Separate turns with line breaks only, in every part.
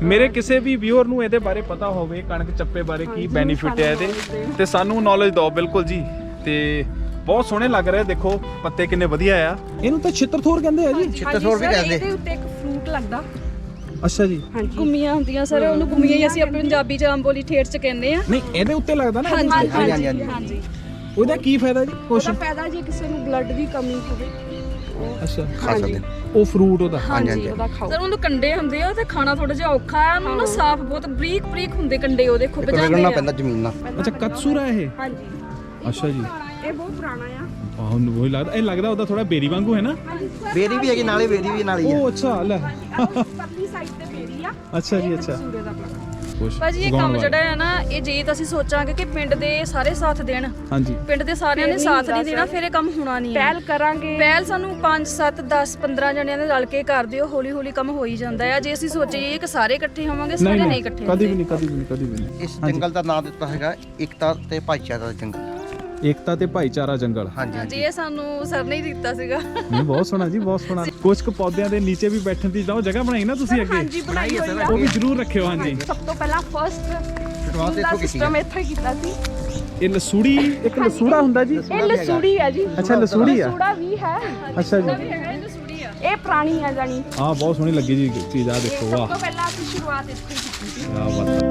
ਮੇਰੇ ਕਿਸੇ ਵੀ ਵਿਊਅਰ ਨੂੰ ਇਹਦੇ ਬਾਰੇ ਪਤਾ ਹੋਵੇ ਕਣਕ ਚੱਪੇ ਬਾਰੇ ਕੀ ਬੈਨੀਫਿਟ ਹੈ ਇਹਦੇ ਤੇ ਸਾਨੂੰ ਨੌਲੇਜ ਦਿਓ ਬਿਲਕੁਲ ਜੀ। ਤੇ ਬਹੁਤ ਸੋਹਣੇ ਲੱਗ ਰਹੇ, ਦੇਖੋ ਪੱਤੇ ਕਿੰਨੇ ਵਧੀਆ ਆ। ਇਹਨੂੰ ਤਾਂ ਛਿੱਤਰਥੋਰ ਕਹਿੰਦੇ ਆ ਜੀ।
ਛਿੱਤਰਥੋਰ ਵੀ ਕਹਿੰਦੇ।
ਇਹਦੇ ਉੱਤੇ ਇੱਕ ਫਰੂਟ ਲੱਗਦਾ।
ਅੱਛਾ ਜੀ।
ਗੁੰਮੀਆਂ ਹੁੰਦੀਆਂ ਸਰ, ਉਹਨੂੰ ਗੁੰਮੀਆਂ ਹੀ ਅਸੀਂ ਆਪਣੇ ਪੰਜਾਬੀ ਚ ਆਮ ਬੋਲੀ ਠੇਠ ਚ ਕਹਿੰਦੇ ਆ।
ਨਹੀਂ ਇਹਦੇ ਉੱਤੇ ਲੱਗਦਾ ਨਾ।
ਹਾਂਜੀ।
ਉਹਦਾ ਕੀ ਫਾਇਦਾ ਜੀ? ਕੁਛ
ਉਹਦਾ ਫਾਇਦਾ ਜੇ ਕਿਸੇ ਨੂੰ ਬਲੱਡ ਦੀ ਕਮੀ ਹੋਵੇ।
ਅੱਛਾ,
ਖਾ ਸਕਦੇ
ਉਹ ਫਰੂਟ ਉਹਦਾ।
ਹਾਂਜੀ ਉਹਦਾ ਖਾਓ ਸਰ। ਉਹਨੂੰ ਕੰਡੇ ਹੁੰਦੇ ਆ ਤੇ ਖਾਣਾ ਥੋੜਾ ਜਿਹਾ ਔਖਾ ਆ। ਉਹਨੂੰ ਨਾ ਸਾਫ਼ ਬਹੁਤ ਬਰੀਕ ਬਰੀਕ ਹੁੰਦੇ ਕੰਡੇ ਉਹਦੇ, ਖੁੱਬ ਜਾਂਦੇ ਆ।
ਪੈਂਦਾ ਜ਼ਮੀਨ ਨਾਲ।
ਅੱਛਾ, ਕਤਸੂਰਾ ਇਹ।
ਹਾਂਜੀ।
ਅੱਛਾ ਜੀ।
ਇਹ ਬਹੁਤ ਪੁਰਾਣਾ ਆ।
ਆਹ ਉਹੀ ਲੱਗਦਾ, ਇਹ ਲੱਗਦਾ ਉਹਦਾ ਥੋੜਾ ਬੇਰੀ ਵਾਂਗੂ ਹੈ ਨਾ।
ਬੇਰੀ ਵੀ ਹੈਗੀ ਨਾਲੇ, ਬੇਰੀ ਵੀ ਨਾਲ ਹੀ ਹੈ।
ਉਹ ਅੱਛਾ ਲੈ।
ਪਰਲੀ ਸਾਈਡ ਤੇ ਬੇਰੀ ਆ।
ਅੱਛਾ ਜੀ, ਅੱਛਾ।
ਸੂਰੇ ਦਾ ਪਲਾਂਟ।
ਭਾਜੀ
ਇਹ ਕੰਮ ਜਿਹੜਾ ਹੈ ਨਾ, ਇਹ ਜੇ ਤਾਂ ਅਸੀਂ ਸੋਚਾਂਗੇ ਕਿ ਪਿੰਡ ਦੇ ਸਾਰੇ ਸਾਥ ਦੇਣ,
ਹਾਂਜੀ,
ਪਿੰਡ ਦੇ ਸਾਰਿਆਂ ਨੇ ਸਾਥ ਨਹੀਂ ਦੇਣਾ, ਫਿਰ ਇਹ ਕੰਮ ਹੋਣਾ ਨਹੀਂ। ਪਹਿਲ ਕਰਾਂਗੇ, ਪਹਿਲ ਸਾਨੂੰ 5 7 10 15 ਜਣਿਆਂ ਦੇ ਰਲ ਕੇ ਕਰ ਦਿਓ, ਹੌਲੀ ਹੌਲੀ ਕੰਮ ਹੋ ਹੀ ਜਾਂਦਾ ਹੈ। ਜੇ ਅਸੀਂ ਸੋਚੀਏ ਕਿ ਸਾਰੇ ਇਕੱਠੇ ਹੋਵਾਂਗੇ, ਸਾਰੇ ਨਹੀਂ ਇਕੱਠੇ
ਕਦੀ ਵੀ ਨਹੀਂ।
ਇਸ ਜੰਗਲ ਦਾ ਨਾਮ ਦਿੱਤਾ ਹੈਗਾ ਏਕਤਾ ਤੇ ਭਾਈਚਾਰਾ ਦਾ ਜੰਗਲ।
ਏਕਤਾ ਤੇ ਭਾਈਚਾਰਾ ਜੰਗਲ।
ਹਾਂਜੀ, ਇਹ ਸਾਨੂੰ ਸਰ ਨੇ ਦਿੱਤਾ ਸੀਗਾ।
ਨਹੀਂ, ਬਹੁਤ ਸੋਹਣਾ ਜੀ, ਬਹੁਤ ਸੋਹਣਾ। ਕੁਝ ਕੁ ਪੌਦਿਆਂ ਦੇ ਨੀਚੇ ਵੀ ਬੈਠਣ ਦੀ ਜਗ੍ਹਾ ਬਣਾਈ ਨਾ ਤੁਸੀਂ ਅੱਗੇ?
ਹਾਂਜੀ, ਬਣਾਈ ਹੋਈ ਆ।
ਉਹ ਵੀ ਜ਼ਰੂਰ ਰੱਖਿਓ। ਹਾਂਜੀ,
ਸਭ ਤੋਂ ਪਹਿਲਾਂ
ਸ਼ੁਰੂਆਤ ਇੱਥੋਂ ਕੀਤੀ
ਸਿਸਟਮ ਇੱਥੋਂ ਹੀ ਕੀਤਾ ਸੀ।
ਇਹ ਲਸੂੜੀ, ਇੱਕ ਲਸੂੜਾ ਹੁੰਦਾ ਜੀ।
ਇਹ ਲਸੂੜੀ ਆ ਜੀ।
ਅੱਛਾ, ਲਸੂੜੀ ਆ।
ਲਸੂੜਾ ਵੀ ਹੈ।
ਅੱਛਾ ਜੀ।
ਇਹ ਪੁਰਾਣੀ ਆ ਜਾਨੀ।
ਹਾਂ, ਬਹੁਤ ਸੋਹਣੀ ਲੱਗੀ ਜੀ ਚੀਜ਼। ਆ ਦੇਖੋ, ਵਾਹ।
ਸਭ ਤੋਂ ਪਹਿਲਾਂ ਅਸੀਂ ਸ਼ੁਰੂਆਤ ਇੱਥੋਂ ਹੀ ਕੀਤੀ ਸੀ।
ਕੀ ਬਾਤ।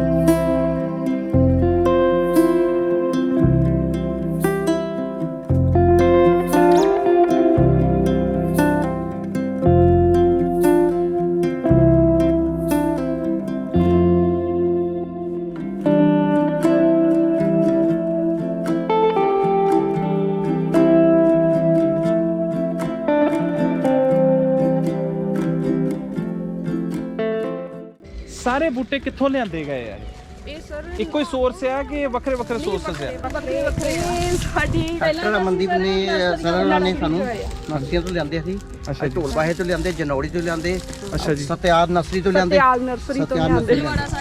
ਸਾਰੇ ਬੂਟੇ ਕਿੱਥੋਂ ਲਿਆਂਦੇ ਗਏ ਆ?
ਇਹ ਸਰ
ਇੱਕੋ ਹੀ ਸੋਰਸ ਆ ਕਿ ਵੱਖਰੇ ਵੱਖਰੇ ਸੋਰਸਸ ਆ?
ਵੱਖਰੇ ਸਾਡੀ
ਡਾਕਟਰ ਅਮਨਦੀਪ ਨੇ ਸਰਵਣਾ ਨੇ ਸਾਨੂੰ ਨਰਸਰੀਆਂ ਤੋਂ ਲਿਆਂਦੇ ਸੀ।
ਅੱਛਾ ਜੀ।
ਢੋਲ ਬਾਹੇ ਤੋਂ ਲਿਆਂਦੇ, ਜਨੌੜੀ ਤੋਂ ਲਿਆਂਦੇ,
ਅੱਛਾ ਜੀ।
ਸਤਿਆਰ ਨਰਸਰੀ ਤੋਂ ਲਿਆਂਦੇ,
ਸਤਿਆਲ ਨਰਸਰੀ ਤੋਂ ਲਿਆਂਦੇ।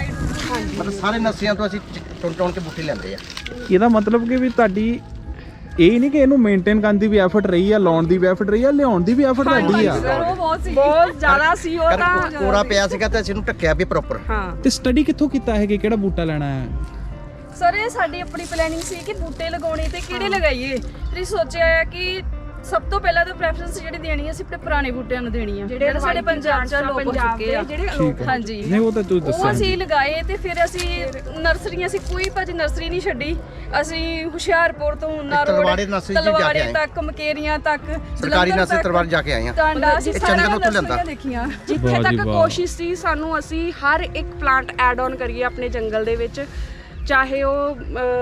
ਮਤਲਬ ਸਾਰੇ ਨਰਸਰੀਆਂ ਤੋਂ ਅਸੀਂ ਟੁਣ ਕੇ ਬੂਟੇ ਲਿਆਂਦੇ ਆ।
ਇਹਦਾ ਮਤਲਬ ਕਿ ਵੀ ਤੁਹਾਡੀ ਇਹ ਨਹੀਂ ਕਿ ਇਹਨੂੰ ਮੇਨਟੇਨ ਕਰਨ ਦੀ ਵੀ ਐਫਰਟ ਰਹੀ ਆ, ਲਾਉਣ ਦੀ ਵੀ ਐਫਰਟ ਰਹੀ ਆ, ਲਿਆਉਣ ਦੀ ਵੀ ਐਫਰਟ ਤੁਹਾਡੀ ਆ।
ਉਹ ਬਹੁਤ ਜ਼ਿਆਦਾ ਸੀ। ਉਹ ਤਾਂ
ਕੋਰਾ ਪਿਆ ਸੀਗਾ ਤੇ ਅਸੀਂ ਇਹਨੂੰ ਢੱਕਿਆ ਵੀ ਪ੍ਰੋਪਰ।
ਹਾਂ।
ਤੇ ਸਟੱਡੀ ਕਿੱਥੋਂ ਕੀਤਾ ਹੈ ਕਿ ਕਿਹੜਾ ਬੂਟਾ ਲੈਣਾ ਹੈ?
ਸਰ ਇਹ ਸਾਡੀ ਆਪਣੀ ਪਲੈਨਿੰਗ ਸੀ ਕਿ ਬੂਟੇ ਲਗਾਉਣੇ ਤੇ ਕਿਹੜੇ ਲਗਾਈਏ। ਤੇ ਸੋਚਿਆ ਹੈ ਕਿ ਸਭ ਤੋਂ ਪਹਿਲਾਂ ਤਾਂ ਪ੍ਰੈਫਰੈਂਸ ਜਿਹੜੀ ਦੇਣੀ ਹੈ ਅਸੀਂ ਆਪਣੇ ਪੁਰਾਣੇ ਬੂਟਿਆਂ ਨੂੰ ਦੇਣੀ ਆ, ਜਿਹੜੇ ਸਾਡੇ ਪੰਜਾਬ ਚ ਲੋਕ ਹੋ ਚੁੱਕੇ ਆ। ਹਾਂਜੀ,
ਨਹੀਂ ਉਹ ਤਾਂ ਤੁਸੀਂ ਦੱਸਿਆ।
ਉਹ ਅਸੀਂ ਲਗਾਏ ਤੇ ਫਿਰ ਅਸੀਂ ਨਰਸਰੀਆਂ, ਅਸੀਂ ਕੋਈ ਭਾਜੀ ਨਰਸਰੀ ਨਹੀਂ ਛੱਡੀ। ਅਸੀਂ ਹੁਸ਼ਿਆਰਪੁਰ ਤੋਂ
ਤਲਵਾੜੇ ਨਰਸਰੀ ਜਾ ਕੇ
ਤਲਵਾੜੇ
ਆਏ।
ਤੱਕ, ਮਕੇਰੀਆਂ ਤੱਕ,
ਸਰਕਾਰੀ ਨਰਸਰੀ ਤਲਵਾੜੇ ਜਾ ਕੇ ਆਏ ਆ।
ਟਾਂਡਾ ਅਸੀਂ
ਚੰਦਨ
ਸਾਰਾ
ਉੱਥੋਂ ਲਿਆਂਦਾ।
ਦੇਖੀਆਂ।
ਜਿੱਥੇ
ਵਾਹ ਜੀ
ਤੱਕ
ਵਾਹ।
ਕੋਸ਼ਿਸ਼ ਸੀ ਸਾਨੂੰ, ਅਸੀਂ ਹਰ ਇੱਕ ਪਲਾਂਟ ਐਡ ਆਨ ਕਰੀਏ ਆਪਣੇ ਜੰਗਲ ਦੇ ਵਿੱਚ, ਚਾਹੇ ਉਹ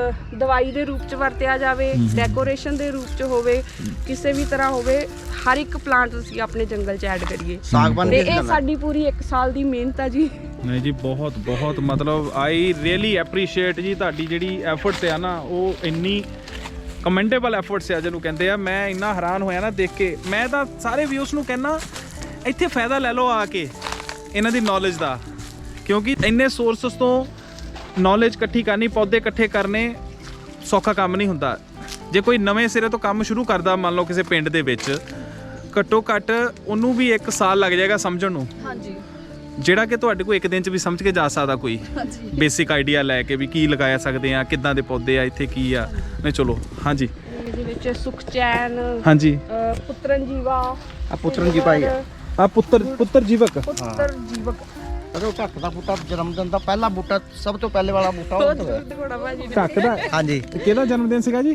ਦਵਾਈ ਦੇ ਰੂਪ ਚ ਵਰਤਿਆ ਜਾਵੇ, ਡੈਕੋਰੇਸ਼ਨ ਦੇ ਰੂਪ ਚ ਹੋਵੇ, ਕਿਸੇ ਵੀ ਤਰ੍ਹਾਂ ਹੋਵੇ, ਹਰ ਇੱਕ ਪਲਾਂਟ ਅਸੀਂ ਆਪਣੇ ਜੰਗਲ ਚ ਐਡ ਕਰੀਏ।
ਸਾਗਵਾਨ
ਤੇ
ਵੀ
ਇਹ ਸਾਡੀ ਪੂਰੀ 1 ਸਾਲ ਦੀ ਮਿਹਨਤ ਆ ਜੀ।
ਨਹੀਂ ਜੀ, ਬਹੁਤ ਬਹੁਤ ਮਤਲਬ ਆਈ ਰੀਅਲੀ ਐਪਰੀਸ਼ੀਏਟ ਜੀ ਤੁਹਾਡੀ ਜਿਹੜੀ ਐਫਰਟਸ ਆ ਨਾ, ਉਹ ਇੰਨੀ ਕਮੈਂਡੇਬਲ ਐਫਰਟਸ ਆ ਜਿਹਨੂੰ ਕਹਿੰਦੇ ਆ। ਮੈਂ ਇੰਨਾ ਹੈਰਾਨ ਹੋਇਆ ਨਾ ਦੇਖ ਕੇ। ਮੈਂ ਤਾਂ ਸਾਰੇ ਵਿਊਸ ਨੂੰ ਕਹਿੰਦਾ ਇੱਥੇ ਫਾਇਦਾ ਲੈ ਲਓ ਆ ਕੇ ਇਹਨਾਂ ਦੀ ਨੌਲੇਜ ਦਾ, ਕਿਉਂਕਿ ਇੰਨੇ ਸੋਰਸਸ ਤੋਂ ਨੌਲੇਜ ਇਕੱਠੀ ਕਰਨੀ, ਪੌਦੇ ਇਕੱਠੇ ਕਰਨੇ ਸੌਖਾ ਕੰਮ ਨਹੀਂ ਹੁੰਦਾ। ਜੇ ਕੋਈ ਨਵੇਂ ਸਿਰੇ ਤੋਂ ਕੰਮ ਸ਼ੁਰੂ ਕਰਦਾ, ਮੰਨ ਲਓ ਕਿਸੇ ਪਿੰਡ ਦੇ ਵਿੱਚ, ਘੱਟੋ ਘੱਟ ਉਹਨੂੰ ਵੀ 1 ਸਾਲ ਲੱਗ ਜਾਏਗਾ ਸਮਝਣ ਨੂੰ।
ਹਾਂਜੀ,
ਜਿਹੜਾ ਕਿ ਤੁਹਾਡੇ ਕੋਲ 1 ਦਿਨ 'ਚ ਵੀ ਸਮਝ ਕੇ ਜਾ ਸਕਦਾ ਕੋਈ ਬੇਸਿਕ ਆਈਡੀਆ ਲੈ ਕੇ ਵੀ ਕੀ ਲਗਾਇਆ ਸਕਦੇ ਆ, ਕਿੱਦਾਂ ਦੇ ਪੌਦੇ ਆ, ਇੱਥੇ ਕੀ ਆ। ਨਹੀਂ ਚਲੋ, ਹਾਂਜੀ।
ਇਹਦੇ ਵਿੱਚ ਸੁਖਚੈਨ,
ਹਾਂਜੀ,
ਪੁੱਤਰਨ ਜੀਵਾ,
ਆ ਪੁੱਤਰਨ ਜੀ ਭਾਈ
ਆ ਪੁੱਤਰ ਜੀਵਕ।
ਪੁੱਤਰ ਜੀਵਕ।
ਉਹ ਢੱਕ ਦਾ ਬੂਟਾ ਜਨਮ ਦਿਨ ਦਾ ਪਹਿਲਾ ਬੂਟਾ, ਸਭ ਤੋਂ ਪਹਿਲੇ ਵਾਲਾ ਬੂਟਾ ਉਹ ਹੋਇਆ।
ਢੱਕ ਦਾ?
ਹਾਂਜੀ।
ਕਿਹਦਾ ਜਨਮ ਦਿਨ ਸੀਗਾ ਜੀ?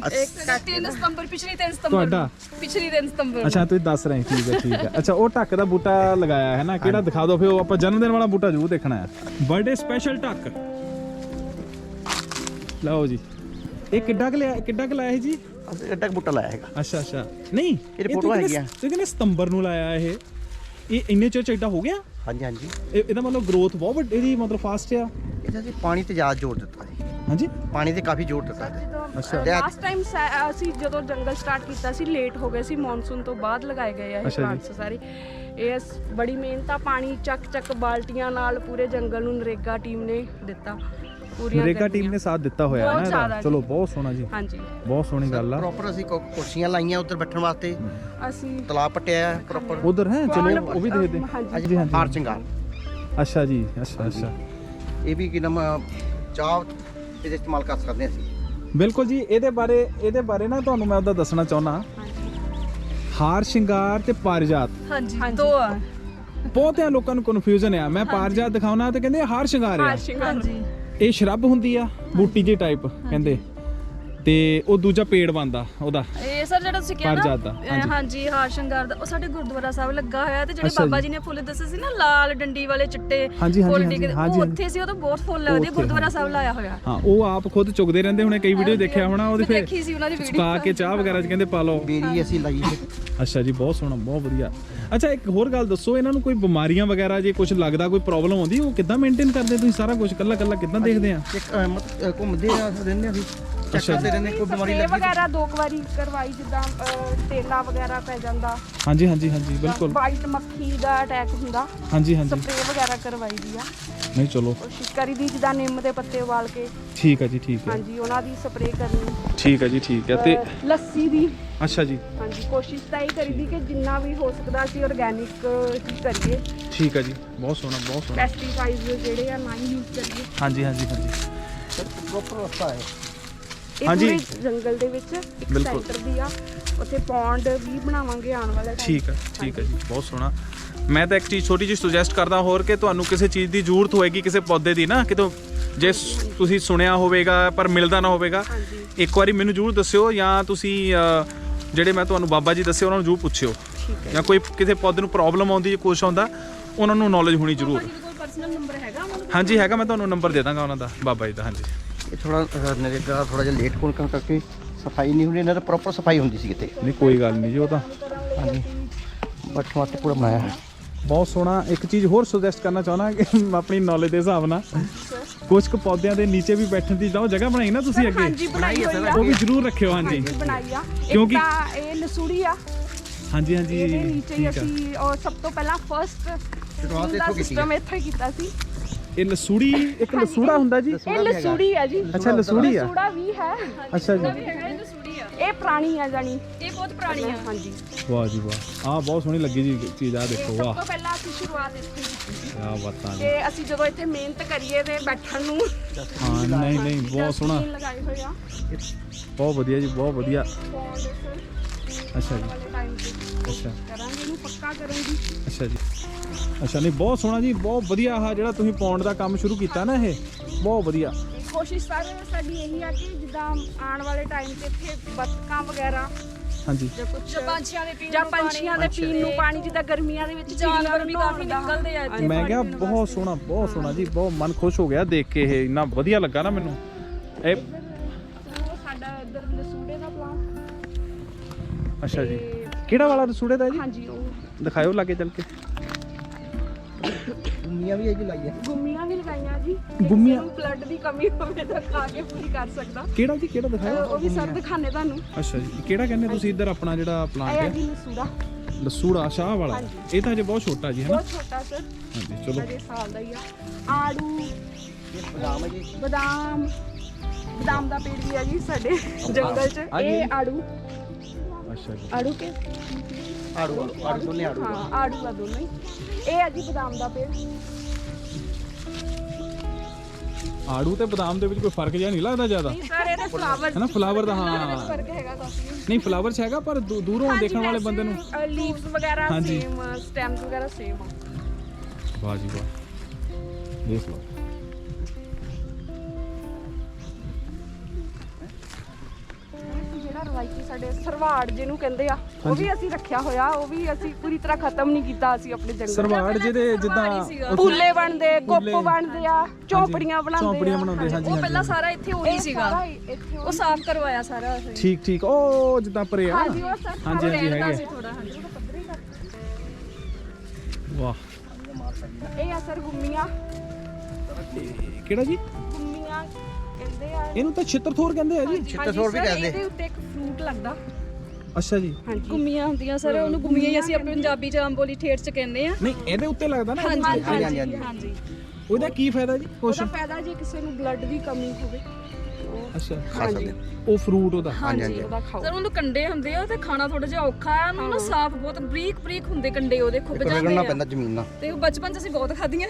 3 ਸਤੰਬਰ, ਪਿਛਲੀ 3 ਸਤੰਬਰ।
ਤੁਹਾਡਾ?
ਪਿਛਲੀ 3 ਸਤੰਬਰ।
ਅੱਛਾ, ਤੁਸੀਂ ਦੱਸ ਰਹੇ। ਠੀਕ ਹੈ, ਠੀਕ ਹੈ। ਅੱਛਾ, ਉਹ ਢੱਕ ਦਾ ਬੂਟਾ ਲਗਾਇਆ ਹੈ ਨਾ, ਕਿਹੜਾ ਦਿਖਾ ਦਿਓ ਫਿਰ। ਉਹ ਆਪਾਂ ਜਨਮ ਦਿਨ ਵਾਲਾ ਬੂਟਾ ਜ਼ਰੂਰ ਦੇਖਣਾ ਹੈ। ਬਰਥਡੇ ਸਪੈਸ਼ਲ ਢੱਕ ਲਓ ਜੀ। ਇਹ ਕਿੱਡਾ ਕੁ ਲਾਇਆ ਹੈ ਜੀ?
ਅਸੀਂ ਐਡਾ ਬੂਟਾ ਲਾਇਆ ਹੈਗਾ।
ਅੱਛਾ ਅੱਛਾ। ਨਹੀਂ,
ਇਹਦੀ ਫੋਟੋ ਹੈਗੀ ਆ।
ਤੁਸੀਂ ਕਹਿੰਦੇ ਸਤੰਬਰ ਨੂੰ ਲਾਇਆ ਇਹ ਇੰਨੇ ਚਿਰ ਚ ਏਡਾ ਹੋ ਗਿਆ?
ਹਾਂਜੀ ਹਾਂਜੀ।
ਇਹਦਾ ਮਤਲਬ ਗਰੋਥ ਬਹੁਤ ਵੱਡੀ, ਇਹਦੀ ਮਤਲਬ ਫਾਸਟ ਆ।
ਇਹਦਾ ਅਸੀਂ ਪਾਣੀ ਤੇ ਜ਼ਿਆਦਾ ਜ਼ੋਰ ਦਿੱਤਾ ਜੀ।
ਹਾਂਜੀ,
ਪਾਣੀ ਤੇ ਕਾਫੀ ਜ਼ੋਰ ਦਿੱਤਾ ਜੀ।
ਅੱਛਾ।
ਲਾਸਟ ਟਾਈਮ ਅਸੀਂ ਜਦੋਂ ਜੰਗਲ ਸਟਾਰਟ ਕੀਤਾ ਸੀ, ਲੇਟ ਹੋ ਗਏ ਸੀ, ਮੌਨਸੂਨ ਤੋਂ ਬਾਅਦ ਲਗਾਏ ਗਏ ਆ ਇਹ
ਅੱਛਾ ਜੀ।
ਪਲਾਂਟਸ ਸਾਰੇ। ਇਹ ਬੜੀ ਮਿਹਨਤ ਆ, ਪਾਣੀ ਚੱਕ ਬਾਲਟੀਆਂ ਨਾਲ ਪੂਰੇ ਜੰਗਲ ਨੂੰ ਨਰੇਗਾ ਟੀਮ ਨੇ ਦਿੱਤਾ।
ਨਰੇਗਾ ਟੀਮ ਨੇ ਸਾਥ ਦਿੱਤਾ ਹੋਇਆ ਹੈ ਨਾ ਇਹਦਾ। ਚਲੋ, ਬਹੁਤ ਸੋਹਣਾ ਜੀ।
ਹਾਂਜੀ,
ਬਹੁਤ ਸੋਹਣੀ ਗੱਲ ਆ।
ਪ੍ਰੋਪਰ ਅਸੀਂ ਕੁਰਸੀਆਂ ਲਾਈਆਂ ਉੱਧਰ ਬੈਠਣ ਵਾਸਤੇ,
ਅਸੀਂ
ਤਲਾਬ ਪਟਿਆ ਪ੍ਰੋਪਰ।
ਉਧਰ ਹੈ, ਚਲੋ ਉਹ ਵੀ ਦੇਖਦੇ।
ਹਾਂਜੀ
ਹਾਂਜੀ,
ਹਾਰ ਚੰਗਾਲ
ਅੱਛਾ ਜੀ, ਅੱਛਾ ਅੱਛਾ।
ਇਹ ਵੀ ਕਿ ਨਾਮ ਚਾਹ ਇਹਦੇ ਇਸਤੇਮਾਲ ਕਰ ਸਕਦੇ ਅਸੀਂ।
ਬਿਲਕੁਲ ਜੀ। ਇਹਦੇ ਬਾਰੇ ਨਾ ਤੁਹਾਨੂੰ ਮੈਂ ਉਹਦਾ ਦੱਸਣਾ ਚਾਹੁੰਦਾ। ਹਾਰ ਸ਼ਿੰਗਾਰ ਤੇ ਪਾਰਿਜਾਤ
ਹਾਂਜੀ ਦੋ ਆ।
ਬਹੁਤਿਆਂ ਲੋਕਾਂ ਨੂੰ ਕਨਫਿਊਜ਼ਨ ਆ। ਮੈਂ ਪਾਰਿਜਾਤ ਦਿਖਾਉਣਾ ਤੇ ਕਹਿੰਦੇ ਹਾਰ ਸ਼ਿੰਗਾਰ ਆ।
ਹਾਂਜੀ
ਇਹ ਸ਼ਰਬ ਹੁੰਦੀ ਆ, ਬੂਟੀ ਜੀ ਟਾਈਪ ਕਹਿੰਦੇ, ਤੇ ਉਹ ਦੂਜਾ ਪੇੜ ਬਣਦਾ ਉਹਦਾ।
ਇਹ ਸਰ ਜਿਹੜਾ ਤੁਸੀਂ ਕਿਹਾ
ਪਾਰਿਜਾਤ ਦਾ,
ਨਾ ਹਾਂਜੀ ਹਾਰ ਸ਼ਿੰਗਾਰ ਦਾ, ਉਹ ਸਾਡੇ ਗੁਰਦੁਆਰਾ ਸਾਹਿਬ ਲੱਗਾ ਹੋਇਆ ਤੇ ਜਿਹੜੇ
ਅੱਛਾ
ਬਾਬਾ
ਜੀ।
ਜੀ ਨੇ ਫੁੱਲ ਦੱਸੇ ਸੀ ਨਾ ਲਾਲ ਡੰਡੀ ਵਾਲੇ ਚਿੱਟੇ
ਹਾਂਜੀ, ਹਾਂਜੀ,
ਫੁੱਲ
ਹਾਂਜੀ,
ਡਿੱਗਦੇ,
ਹਾਂਜੀ,
ਉਹ ਉੱਥੇ ਸੀ। ਉਹ ਤਾਂ ਬਹੁਤ ਫੁੱਲ ਲੱਗਦੇ
ਉੱਥੇ,
ਗੁਰਦੁਆਰਾ ਸਾਹਿਬ ਲਾਇਆ ਹੋਇਆ।
ਹਾਂ, ਉਹ ਆਪ ਖੁਦ ਚੁਗਦੇ ਰਹਿੰਦੇ ਹੁਣੇ, ਕਈ ਵੀਡੀਓ ਦੇਖਿਆ ਹੋਣਾ ਉਹਦੇ।
ਮੈਂ ਦੇਖੀ ਸੀ ਉਹਨਾਂ ਦੀ ਵੀਡੀਓ।
ਚੁਕਾ ਕੇ ਚਾਹ ਵਗੈਰਾ ਚ ਕਹਿੰਦੇ ਪਾ ਲਓ।
ਬੇਰੀ ਅਸੀਂ ਲਾਈ ਹੈ।
ਅੱਛਾ ਜੀ, ਬਹੁਤ ਸੋਹਣਾ, ਬਹੁਤ ਵਧੀਆ। ਅੱਛਾ, ਇੱਕ ਹੋਰ ਗੱਲ ਦੱਸੋ, ਇਹਨਾਂ ਨੂੰ ਕੋਈ ਬਿਮਾਰੀਆਂ ਵਗੈਰਾ ਜੇ ਕੁਝ ਲੱਗਦਾ, ਕੋਈ ਪ੍ਰੋਬਲਮ ਆਉਂਦੀ, ਉਹ ਕਿੱਦਾਂ ਮੇਨਟੇਨ ਕਰਦੇ ਤੁਸੀਂ ਸਾਰਾ ਕੁਝ ਕੱਲਾ ਕਿੱਦਾਂ ਦੇਖਦੇ ਆ?
ਇੱਕ ਘੁੰਮਦੇ ਆ ਰਹਿੰਦੇ ਅਸੀਂ, ਚੈੱਕ ਕਰਦੇ ਰਹਿੰਦੇ ਕੋਈ ਬਿਮਾਰੀ
ਸਪਰੇਅ
ਲੱਗੀ।
ਵਗੈਰਾ 2 ਵਾਰੀ ਕਰਵਾਈ, ਜਿੱਦਾਂ ਤੇਲਾ ਵਗੈਰਾ ਪੈ ਜਾਂਦਾ,
ਹਾਂਜੀ ਹਾਂਜੀ ਹਾਂਜੀ, ਬਿਲਕੁਲ।
ਵਾਈਟ ਮੱਖੀ ਦਾ ਅਟੈਕ ਹੁੰਦਾ,
ਹਾਂਜੀ ਹਾਂਜੀ।
ਸਪਰੇਅ ਵਗੈਰਾ ਕਰਵਾਈ ਦੀ ਆ।
ਨਹੀਂ ਚਲੋ
ਕੋਸ਼ਿਸ਼ ਕਰੀ ਦੀ ਜਿੱਦਾਂ ਨਿੰਮ ਦੇ ਪੱਤੇ ਉਬਾਲ ਕੇ,
ਠੀਕ ਹੈ ਜੀ, ਠੀਕ ਹੈ।
ਹਾਂਜੀ ਉਹਨਾਂ ਦੀ ਸਪਰੇਅ ਕਰਨੀ।
ਠੀਕ ਹੈ ਜੀ, ਠੀਕ ਹੈ। ਤੇ
ਲੱਸੀ ਦੀ,
ਅੱਛਾ ਜੀ,
ਹਾਂਜੀ ਕੋਸ਼ਿਸ਼ ਤਾਂ ਇਹ ਕਰੀਦੀ ਕਿ ਜਿੰਨਾ ਵੀ ਹੋ ਸਕਦਾ ਅਸੀਂ ਆਰਗੈਨਿਕ ਹੀ ਕਰੀਏ,
ਠੀਕ ਹੈ ਜੀ, ਬਹੁਤ ਸੋਹਣਾ, ਬਹੁਤ ਸੋਹਣਾ।
ਪੈਸਟੀਸਾਈਡਸ ਜਿਹੜੇ ਆ ਨਾ ਯੂਜ਼ ਕਰੀਏ।
ਹਾਂਜੀ ਹਾਂਜੀ ਹਾਂਜੀ,
ਪ੍ਰੋਪਰ ਰਸਤਾ ਹੈ।
ਇਹ
ਹਾਂਜੀ।
ਪੂਰੇ ਜੰਗਲ ਦੇ ਵਿੱਚ ਇੱਕ
ਬਿਲਕੁਲ।
ਸੈਂਟਰ ਦੀ ਆ, ਉੱਥੇ ਪੌਂਡ ਵੀ ਬਣਾਵਾਂਗੇ ਆਉਣ ਵਾਲੇ time
ਠੀਕ ਹੈ, ਠੀਕ ਹੈ ਜੀ, ਬਹੁਤ ਸੋਹਣਾ। ਮੈਂ ਤਾਂ ਇੱਕ ਚੀਜ਼ ਛੋਟੀ ਜਿਹੀ ਸੁਜੈਸਟ ਕਰਦਾ ਹੋਰ, ਕਿ ਤੁਹਾਨੂੰ ਕਿਸੇ ਚੀਜ਼ ਦੀ ਜ਼ਰੂਰਤ ਹੋਏਗੀ, ਕਿਸੇ ਪੌਦੇ ਦੀ ਨਾ, ਕਿਤੋਂ ਜੇ ਤੁਸੀਂ ਸੁਣਿਆ ਹੋਵੇਗਾ ਪਰ ਮਿਲਦਾ ਨਾ ਹੋਵੇਗਾ,
ਹਾਂਜੀ
ਇੱਕ ਵਾਰੀ ਮੈਨੂੰ ਜ਼ਰੂਰ ਦੱਸਿਓ, ਜਾਂ ਤੁਸੀਂ ਜਿਹੜੇ ਮੈਂ ਤੁਹਾਨੂੰ ਬਾਬਾ ਜੀ ਦੱਸੇ ਉਹਨਾਂ ਨੂੰ ਜ਼ਰੂਰ ਪੁੱਛਿਓ,
ਠੀਕ ਹੈ।
ਜਾਂ ਕੋਈ ਕਿਸੇ ਪੌਦੇ ਨੂੰ ਪ੍ਰੋਬਲਮ ਆਉਂਦੀ, ਕੁਛ ਆਉਂਦਾ, ਉਹਨਾਂ ਨੂੰ ਨੌਲੇਜ ਹੋਣੀ ਜ਼ਰੂਰ।
ਕੋਈ ਪਰਸਨਲ ਨੰਬਰ ਹੈਗਾ ਉਹਨਾਂ ਦਾ?
ਹਾਂਜੀ ਹੈਗਾ, ਮੈਂ ਤੁਹਾਨੂੰ ਨੰਬਰ ਦੇ ਦਾਂਗਾ ਉਹਨਾਂ ਦਾ, ਬਾਬਾ ਜੀ ਦਾ। ਹਾਂਜੀ
ਇਹ ਥੋੜਾ ਨਰੇਗਾ ਥੋੜਾ ਜਿਹਾ ਲੇਟ ਹੋਣ ਕਰਕੇ ਸਫਾਈ ਨਹੀਂ ਹੁੰਦੀ, ਇਹਨਾਂ ਦਾ ਪ੍ਰੋਪਰ ਸਫਾਈ ਹੁੰਦੀ ਸੀ ਕਿਤੇ।
ਨਹੀਂ ਕੋਈ ਗੱਲ ਨਹੀਂ ਜੀ, ਉਹ ਤਾਂ
ਹਾਂਜੀ, ਬੱਟ ਵਾਸਤੇ ਪੂਰਾ ਬਣਾਇਆ ਹੈ।
ਬਹੁਤ ਸੋਹਣਾ। ਇੱਕ ਚੀਜ਼ ਹੋਰ ਸੁਜੈਸਟ ਕਰਨਾ ਚਾਹੁੰਦਾ ਕਿ ਆਪਣੀ ਨੌਲੇਜ ਦੇ ਹਿਸਾਬ ਨਾਲ ਕੁਝ ਕੁ ਪੌਦਿਆਂ ਦੇ ਨੀਚੇ ਵੀ ਬੈਠਣ ਦੀ ਉਹ ਜਗ੍ਹਾ ਬਣਾਈ ਨਾ ਤੁਸੀਂ ਅੱਗੇ,
ਹਾਂਜੀ ਬਣਾਈ ਹੋਈ ਆ,
ਉਹ ਵੀ ਜ਼ਰੂਰ ਰੱਖਿਓ। ਹਾਂਜੀ
ਹਾਂਜੀ ਬਣਾਈ ਆ।
ਕਿਉਂਕਿ-
ਇੱਕ ਤਾਂ ਇਹ ਲਸੂੜੀ ਆ,
ਹਾਂਜੀ ਹਾਂਜੀ,
ਇਹਦੇ ਨੀਚੇ ਹੀ
ਠੀਕ ਆ।
ਅਸੀਂ ਔਰ ਸਭ ਤੋਂ ਪਹਿਲਾਂ ਫਸਟ
ਸ਼ੁਰੂਆਤ
ਦਾ
ਇੱਥੋਂ ਕੀਤੀ
ਸਿਸਟਮ ਇੱਥੇ ਕੀਤਾ ਸੀ।
ਇਹ ਲਸੂੜੀ, ਇੱਕ ਲਸੂੜਾ ਹੁੰਦਾ ਜੀ?
ਇਹ ਲਸੂੜੀ ਆ ਜੀ।
ਅੱਛਾ, ਲਸੂੜੀ ਆ।
ਲਸੂੜਾ ਵੀ ਹੈ,
ਅੱਛਾ ਜੀ,
ਹੈਗਾ ਇਹ ਲਸੂੜੀ ਆ।
ਇਹ ਪੁਰਾਣੀ ਆ ਜਾਨੀ,
ਇਹ ਬਹੁਤ ਪੁਰਾਣੀ ਆ।
ਹਾਂਜੀ।
ਵਾਹ ਜੀ ਵਾਹ, ਆਹ ਬਹੁਤ ਸੋਹਣੀ ਲੱਗੀ ਜੀ ਚੀਜ਼, ਆ ਦੇਖੋ,
ਸਭ
ਵਾਹ
ਤੋਂ ਪਹਿਲਾਂ ਅਸੀਂ ਸ਼ੁਰੂਆਤ ਇੱਥੇ ਕੀਤੀ ਸੀ
ਕਿਆ ਬਾਤਾਂ ਜੀ।
ਕਿ ਅਸੀਂ ਜਦੋਂ ਇੱਥੇ ਮਿਹਨਤ ਕਰੀਏ ਤੇ ਬੈਠਣ ਨੂੰ
ਹਾਂ, ਨਹੀਂ ਨਹੀਂ, ਬਹੁਤ ਸੋਹਣਾ,
ਡਸਟਬਿਨ ਲਗਾਏ ਹੋਏ ਆ।
ਬਹੁਤ ਵਧੀਆ ਜੀ, ਬਹੁਤ ਵਧੀਆ।
ਪੌਂਡ
ਅੱਛਾ ਜੀ,
ਵਾਲੇ ਟਾਈਮ ਤੇ
ਅੱਛਾ
ਕਰਾਂਗੇ ਇਹਨੂੰ ਪੱਕਾ ਕਰਨ ਦੀ।
ਅੱਛਾ ਜੀ, ਅੱਛਾ। ਨਹੀਂ ਬਹੁਤ ਸੋਹਣਾ ਜੀ, ਬਹੁਤ ਵਧੀਆ। ਆਹ ਜਿਹੜਾ ਤੁਸੀਂ ਪੌਂਡ ਦਾ ਕੰਮ ਸ਼ੁਰੂ ਕੀਤਾ ਨਾ, ਇਹ ਬਹੁਤ ਵਧੀਆ।
ਕੋਸ਼ਿਸ਼ ਸਾਡੀ ਇਹੀ ਆ ਕਿ ਜਿੱਦਾਂ ਆਉਣ ਵਾਲੇ ਟਾਈਮ ਤੇ ਇੱਥੇ ਬੱਤਕਾਂ ਵਗੈਰਾ
ਹਾਂਜੀ,
ਜਾਂ ਕੁਝ
ਪੰਛੀਆਂ ਦੇ ਪੀਣ
ਜਾਂ
ਨੂੰ ਪਾਣੀ,
ਪੰਛੀਆਂ ਦੇ ਪੀਣ ਨੂੰ ਪਾਣੀ, ਜਿੱਦਾਂ ਗਰਮੀਆਂ ਦੇ ਵਿੱਚ
ਜਾਨਵਰ ਵੀ ਕਾਫੀ
ਨਹਾਉਣ ਦਾ।
ਨਿਕਲਦੇ ਆ ਇੱਥੇ
ਮੈਂ ਕਿਹਾ ਬਹੁਤ ਸੋਹਣਾ, ਬਹੁਤ ਸੋਹਣਾ ਜੀ, ਬਹੁਤ ਮਨ ਖੁਸ਼ ਹੋ ਗਿਆ ਦੇਖ ਕੇ, ਇਹ ਇੰਨਾ ਵਧੀਆ ਲੱਗਾ ਨਾ ਮੈਨੂੰ। ਇਹ
ਉਹ ਸਾਡਾ ਇੱਧਰ ਲਸੂੜੇ ਦਾ ਪਲਾਂਟ।
ਅੱਛਾ ਜੀ, ਕਿਹੜਾ ਵਾਲਾ ਰਸੂੜੇ ਦਾ ਜੀ?
ਹਾਂਜੀ, ਉਹ
ਦਿਖਾਇਓ ਲਾਗੇ ਚੱਲ ਕੇ।
ਦੁਨੀਆ ਵੀ ਇਹ ਜੀ ਲਾਈ ਹੈ।
ਗੁੰਮੀਆਂ ਵੀ ਲਗਾਈਆਂ ਜੀ।
ਗੁੰਮੀਆਂ?
ਬਲੱਡ ਦੀ ਕਮੀ ਹੋਵੇ ਤਾਂ ਖਾ ਕੇ ਪੂਰੀ ਕਰ ਸਕਦਾ।
ਕਿਹੜਾ ਜੀ, ਕਿਹੜਾ ਦਿਖਾਇਓ।
ਉਹ ਵੀ ਸਰ ਦਿਖਾਣੇ ਤੁਹਾਨੂੰ।
ਅੱਛਾ ਜੀ, ਕਿਹੜਾ ਕਹਿੰਦੇ ਤੁਸੀਂ ਇੱਧਰ ਆਪਣਾ ਜਿਹੜਾ ਪਲਾਂਟ
ਇਹ ਆ
ਹੈ?
ਜੀ ਲਸੂੜਾ,
ਲਸੂੜਾ ਸ਼ਾਹ ਵਾਲਾ।
ਹਾਂਜੀ।
ਇਹ ਤਾਂ ਅਜੇ ਬਹੁਤ ਛੋਟਾ ਜੀ, ਹੈ ਨਾ?
ਬਹੁਤ ਛੋਟਾ ਸਰ,
ਹਾਂਜੀ, ਚਲੋ।
ਅਜੇ ਸਾਲ ਦਾ ਹੀ ਆ। ਆੜੂ,
ਇਹ ਬਦਾਮ ਹੈ ਜੀ।
ਬਦਾਮ ਦਾ ਪੇੜ ਵੀ ਆ ਜੀ ਸਾਡੇ ਜੰਗਲ 'ਚ। ਇਹ ਆੜੂ,
ਅੱਛਾ ਜੀ,
ਆੜੂ ਕੇ
ਆੜੂ ਦੋਨੇ ਆੜੂ।
ਹਾਂ, ਆੜੂ ਆ ਦੋਨੋਂ ਹੀ। ਇਹ ਆ ਜੀ ਬਦਾਮ ਦਾ ਪੇੜ।
ਆੜੂ ਤੇ ਬਦਾਮ ਦੇ ਵਿੱਚ ਕੋਈ ਫਰਕ ਜਿਹਾ ਨਹੀਂ ਲੱਗਦਾ ਜ਼ਿਆਦਾ,
ਨਹੀਂ ਸਰ, ਇਹਦੇ ਫਲਾਵਰ
ਹੈ ਨਾ? ਫਲਾਵਰ ਦਾ, ਹਾਂ
ਫਰਕ ਹੈਗਾ ਕਾਫੀ।
ਨਹੀਂ ਫਲਾਵਰ ਚ ਹੈਗਾ, ਪਰ ਦੂਰੋਂ ਦੇਖਣ ਵਾਲੇ ਬੰਦੇ ਨੂੰ।
ਲੀਵਸ ਵਗੈਰਾ
ਹਾਂਜੀ।
ਸੇਮ, ਸਟੈਮਸ ਵਗੈਰਾ ਸੇਮ ਆ।
ਵਾਹ ਜੀ ਵਾਹ, ਦੇਖ ਲਓ।
ਜਿਹੜਾ ਰਵਾਇਤੀ ਸਾਡੇ ਸਰਵਾੜ ਜਿਹਨੂੰ ਕਹਿੰਦੇ ਆ, ਉਹ ਵੀ ਅਸੀਂ ਰੱਖਿਆ ਹੋਇਆ। ਉਹ ਵੀ ਅਸੀਂ ਪੂਰੀ ਤਰ੍ਹਾਂ ਖਤਮ ਨਹੀਂ ਕੀਤਾ ਅਸੀਂ ਆਪਣੇ ਜੰਗਲ।
ਸਰਵਾੜ ਜਿਹਦੇ ਜਿੱਦਾਂ
ਸੀਗਾ।
ਫੁੱਲੇ ਬਣਦੇ, ਗੁੱਪ
ਫੁੱਲੇ।
ਬਣਦੇ ਆ, ਝੌਂਪੜੀਆਂ ਬਣਾਉਂਦੇ ਆ।
ਝੌਂਪੜੀਆਂ ਬਣਾਉਂਦੇ, ਹਾਂਜੀ
ਉਹ ਪਹਿਲਾਂ ਸਾਰਾ ਇੱਥੇ ਉਹੀ
ਇਹ
ਸੀਗਾ,
ਸਾਰਾ ਇੱਥੇ
ਉਹ ਸਾਫ਼ ਕਰਵਾਇਆ ਸਾਰਾ ਅਸੀਂ।
ਠੀਕ ਠੀਕ, ਉਹ ਜਿੱਦਾਂ ਪਰੇ ਆ।
ਹਾਂਜੀ, ਉਹ ਸਰ
ਹਾਂਜੀ ਹਾਂਜੀ,
ਰਹਿੰਦਾ
ਹੈਗੇ।
ਸੀ ਥੋੜਾ। ਹਾਂਜੀ
ਵਾਹ,
ਇਹ ਆ ਸਰ ਗੁੰਮੀਆਂ।
ਕਿਹੜਾ ਜੀ?
ਗੁੰਮੀਆਂ ਕਹਿੰਦੇ ਆ।
ਇਹਨੂੰ ਤਾਂ ਛਿੱਤਰਥੋਰ ਕਹਿੰਦੇ ਆ ਜੀ।
ਛਿੱਤਰਥੋਰ ਵੀ
ਸਰ,
ਕਹਿੰਦੇ।
ਇਹਦੇ ਉੱਤੇ ਇੱਕ ਫਰੂਟ ਲੱਗਦਾ।
ਅੱਛਾ ਜੀ,
ਹਾਂਜੀ,
ਗੁੰਮੀਆਂ ਹੁੰਦੀਆਂ ਸਰ, ਉਹਨੂੰ ਗੁੰਮੀਆਂ ਹੀ ਅਸੀਂ ਆਪਣੇ ਪੰਜਾਬੀ ਚ ਅੰਬੋਲੀ ਠੇਠ ਚ ਕਹਿੰਦੇ ਆ।
ਨਹੀਂ ਇਹਦੇ ਉੱਤੇ ਲੱਗਦਾ ਨਾ।
ਹਾਂਜੀ
ਹਾਂਜੀ, ਹਾਂਜੀ।
ਹਾਂਜੀ।
ਉਹਦਾ ਕੀ ਫਾਇਦਾ ਜੀ? ਕੁਛ
ਉਹਦਾ ਫਾਇਦਾ ਜੇ ਕਿਸੇ ਨੂੰ ਬਲੱਡ ਦੀ ਕਮੀ ਹੋਵੇ
ਅੱਛਾ
ਖਾ ਸਕਦੇ ਹੋ।
ਉਹ ਫਰੂਟ ਉਹਦਾ
ਹਾਂਜੀ।
ਉਹਦਾ ਖਾਓ।
ਸਰ ਉਹਨੂੰ ਕੰਡੇ ਹੁੰਦੇ ਆ ਤੇ ਖਾਣਾ ਥੋੜਾ ਜਿਹਾ ਔਖਾ ਆ, ਉਹਨੂੰ ਨਾ ਸਾਫ਼ ਬਹੁਤ ਬਰੀਕ ਬਰੀਕ ਹੁੰਦੇ ਕੰਡੇ ਉਹਦੇ ਖੁੱਬ ਜਾਂਦੇ
ਰਗੜਨਾ
ਆ
ਪੈਂਦਾ ਜ਼ਮੀਨ ਨਾਲ।
ਤੇ ਉਹ ਬਚਪਨ 'ਚ ਅਸੀਂ ਬਹੁਤ ਖਾਧੀਆਂ।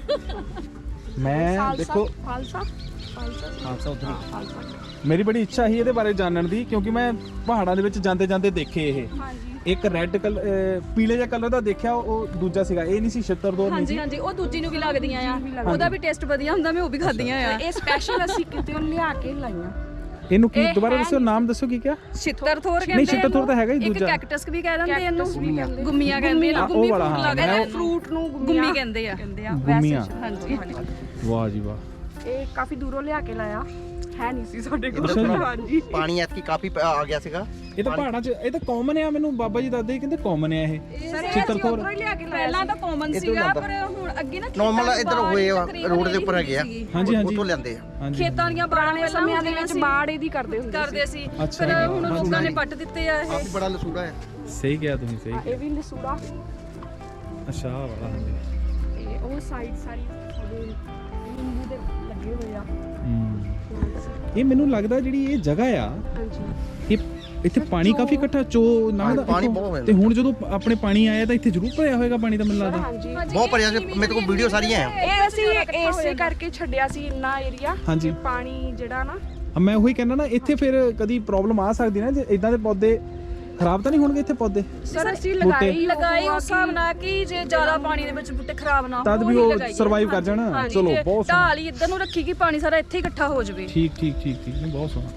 ਮੈਂ ਦੇਖੋ
ਫਾਲਸਾ
ਖਾਲਸਾ ਉਧਰ
ਫਾਲਸਾ
ਮੇਰੀ ਬੜੀ ਇੱਛਾ ਸੀ ਇਹਦੇ ਬਾਰੇ ਜਾਣਨ ਦੀ, ਕਿਉਂਕਿ ਮੈਂ ਪਹਾੜਾਂ ਦੇ ਵਿੱਚ ਜਾਂਦੇ ਜਾਂਦੇ ਦੇਖੇ ਇਹ
ਹਾਂਜੀ
ਇੱਕ ਰੈੱਡ ਕਲਰ ਪੀਲੇ ਜਿਹਾ ਕਲਰ ਦਾ ਦੇਖਿਆ, ਉਹ ਦੂਜਾ ਸੀਗਾ, ਇਹ ਨਹੀਂ ਸੀ ਛਿੱਤਰਦੋਰ ਨਹੀਂ
ਹਾਂਜੀ
ਸੀ।
ਹਾਂਜੀ ਉਹ ਦੂਜੀ ਨੂੰ ਵੀ ਲੱਗਦੀਆਂ ਆ, ਉਹਦਾ ਵੀ ਟੇਸਟ ਵਧੀਆ ਹੁੰਦਾ, ਮੈਂ ਉਹ ਵੀ ਖਾਧੀਆਂ ਆ।
ਇਹ ਸਪੈਸ਼ਲ ਅਸੀਂ ਕਿਤੇ ਲਿਆ ਕੇ ਲਾਈਆਂ।
ਇਹਨੂੰ ਕੀ ਦੁਬਾਰਾ ਦੱਸੋ, ਨਾਮ ਦੱਸੋ ਕੀ ਕਿਹਾ?
ਛਿੱਤਰਥੋਰ ਕਹਿੰਦੇ
ਨਹੀਂ, ਛਿੱਤਰਥੋਰ ਤਾਂ ਹੈਗਾ ਹੀ
ਇੱਕ
ਦੂਜਾ।
ਕੈਕਟਸ ਵੀ ਕਹਿ ਦਿੰਦੇ ਇਹਨੂੰ,
ਕਹਿੰਦੇ।
ਗੁੰਮੀਆਂ ਕਹਿੰਦੇ ਆ,
ਉਹ
ਗੁੰਮੀ
ਵਾਲਾ,
ਫਰੂਟ
ਹਾਂ,
ਲੱਗਦਾ
ਮੈਂ
ਹੈ,
ਫਰੂਟ ਨੂੰ
ਗੁੰਮੀ ਕਹਿੰਦੇ ਆ।
ਗੁੰਮੀਆਂ।
ਹਾਂਜੀ
ਵਾਹ ਜੀ ਵਾਹ।
ਇਹ ਕਾਫੀ ਦੂਰੋਂ ਲਿਆ ਕੇ ਲਾਇਆ, ਹੈ ਨਹੀਂ ਸੀ ਸਾਡੇ
ਅੱਛਾ
ਕੋਲ।
ਜੀ।
ਹਾਂਜੀ
ਪਾਣੀ ਐਤਕੀ ਕਾਫੀ ਆ ਗਿਆ ਸੀਗਾ।
ਇਹ ਤਾਂ ਪਹਾੜਾਂ 'ਚ ਇਹ ਤਾਂ ਕਾਮਨ ਆ, ਮੈਨੂੰ ਬਾਬਾ ਜੀ ਦੱਸਦੇ ਕਹਿੰਦੇ ਕਾਮਨ ਆ ਇਹ ਛਿੱਤਰਥੋਰ।
ਉੱਧਰੋਂ ਹੀ ਲਿਆ ਕੇ ਲਾਇਆ
ਪਹਿਲਾਂ ਤਾਂ ਕਾਮਨ
ਇੱਧਰੋਂ
ਸੀਗਾ,
ਲਿਆਂਦਾ।
ਪਰ ਹੁਣ ਅੱਗੇ ਨਾ
ਨਾਰਮਲ ਇੱਧਰ ਹੋਏ ਰੋਡ ਦੇ ਉੱਪਰ ਹੈਗੇ ਆ,
ਹਾਂਜੀ, ਹਾਂਜੀ।
ਉੱਥੋਂ ਲਿਆਂਦੇ ਆ।
ਹਾਂਜੀ
ਖੇਤਾਂ ਦੀਆਂ ਬਾੜਾਂ
ਪੁਰਾਣੇ ਸਮਿਆਂ ਦੇ ਵਿੱਚ ਬਾੜ ਇਹਦੀ ਕਰਦੇ ਹੁੰਦੇ
ਕਰਦੇ ਸੀ,
ਅੱਛਾ
ਪਰ
ਜੀ।
ਹੁਣ ਲੋਕਾਂ ਨੇ ਪੱਟ ਦਿੱਤੇ ਆ ਇਹ।
ਕਾਫੀ ਬੜਾ ਲਸੂੜਾ ਹੈ।
ਸਹੀ ਕਿਹਾ ਤੁਸੀਂ, ਸਹੀ।
ਇਹ ਵੀ ਲਸੂੜਾ
ਅੱਛਾ ਆਹ ਵਾਲਾ ਹਾਂਜੀ।
ਤੇ ਉਹ ਸਾਈਡ ਸਾਰੀ ਸਾਡੇ ਨਿੰਬੂ ਦੇ ਲੱਗੇ ਹੋਏ ਆ।
ਇਹ ਮੈਨੂੰ ਲੱਗਦਾ ਜਿਹੜੀ ਇਹ ਜਗ੍ਹਾ ਆ,
ਹਾਂਜੀ
ਇਹ ਇੱਥੇ ਪਾਣੀ ਕਾਫੀ ਇਕੱਠਾ ਚੋ ਲੰਘਦਾ
ਪਾਣੀ
ਇੱਥੋਂ।
ਬਹੁਤ ਹੋਇਆ।
ਤੇ ਹੁਣ ਜਦੋਂ ਆਪਣੇ ਪਾਣੀ ਆਇਆ ਤਾਂ ਇੱਥੇ ਜ਼ਰੂਰ ਭਰਿਆ ਹੋਏਗਾ ਪਾਣੀ ਦਾ, ਮੈਨੂੰ ਲੱਗਦਾ।
ਹਾਂਜੀ
ਬਹੁਤ ਭਰਿਆ ਸੀ, ਮੇਰੇ ਕੋਲ ਵੀਡੀਓ ਸਾਰੀਆਂ ਆ।
ਇਹ ਅਸੀਂ ਇਸੇ ਕਰਕੇ ਛੱਡਿਆ ਸੀ ਇੰਨਾ ਏਰੀਆ।
ਹਾਂਜੀ।
ਪਾਣੀ ਜਿਹੜਾ ਨਾ
ਮੈਂ ਉਹੀ ਕਹਿੰਦਾ ਨਾ, ਇੱਥੇ ਫਿਰ ਕਦੀ ਪ੍ਰੋਬਲਮ ਆ ਸਕਦੀ ਨਾ, ਜੇ ਇਦਾਂ ਦੇ ਪੌਦੇ ਖਰਾਬ ਤਾਂ ਨਹੀਂ ਹੋਣਗੇ ਇੱਥੇ ਪੌਦੇ?
ਸਰ ਅਸੀਂ
ਬੂਟੇ।
ਲਗਾਏ ਉਸ ਹਿਸਾਬ ਨਾਲ ਕਿ ਜੇ ਜ਼ਿਆਦਾ ਪਾਣੀ ਦੇ ਵਿੱਚ ਬੂਟੇ ਖਰਾਬ ਨਾ
ਤਦ ਵੀ
ਉਹੀ
ਉਹ
ਲਗਾਈਏ।
ਸਰਵਾਈਵ ਕਰ ਜਾਣ।
ਹਾਂਜੀ,
ਚਲੋ
ਤੇ
ਬਹੁਤ ਸੋਹਣਾ।
ਢਾਲ ਹੀ ਇੱਧਰ ਨੂੰ ਰੱਖੀ ਕਿ ਪਾਣੀ ਸਾਰਾ ਇੱਥੇ ਹੀ ਇਕੱਠਾ ਹੋ ਜਾਵੇ।
ਠੀਕ ਠੀਕ ਠੀਕ ਠੀਕ, ਨਹੀਂ ਬਹੁਤ ਸੋਹਣਾ।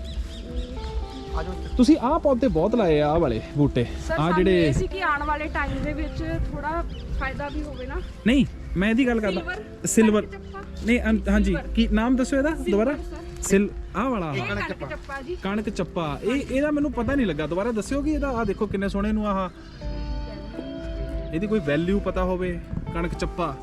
ਤੁਸੀਂ ਆਹ ਪੌਦੇ ਬਹੁਤ ਲਾਏ ਆ, ਆਹ ਵਾਲੇ ਬੂਟੇ,
ਸਰ
ਆਹ
ਸਾਨੂੰ
ਜਿਹੜੇ
ਇਹ ਸੀ ਕਿ ਆਉਣ ਵਾਲੇ ਟਾਈਮ ਦੇ ਵਿੱਚ ਥੋੜਾ ਫਾਇਦਾ ਵੀ ਹੋਵੇ ਨਾ।
ਨਹੀਂ, ਮੈਂ ਇਹਦੀ ਗੱਲ ਕਰਦਾ ਸਿਲਵਰ। ਨਹੀਂ ਹਾਂਜੀ, ਕੀ ਨਾਮ ਦੱਸੋ ਇਹਦਾ ਦੁਬਾਰਾ? ਆਹ ਵਾਲਾ
ਕਣਕ ਚੱਪਾ ਜੀ।
ਕਣਕ ਚੱਪਾ। ਇਹਦਾ ਮੈਨੂੰ ਪਤਾ ਨਹੀਂ ਲੱਗਾ, ਦੁਬਾਰਾ ਦੱਸਿਓ ਕਿ ਇਹਦਾ ਆਹ ਦੇਖੋ ਕਿੰਨੇ ਸੋਹਣੇ ਨੂੰ ਆਹ ਇਹਦੀ ਕੋਈ ਵੈਲਿਊ ਪਤਾ ਹੋਵੇ। ਕਣਕ ਚੱਪਾ,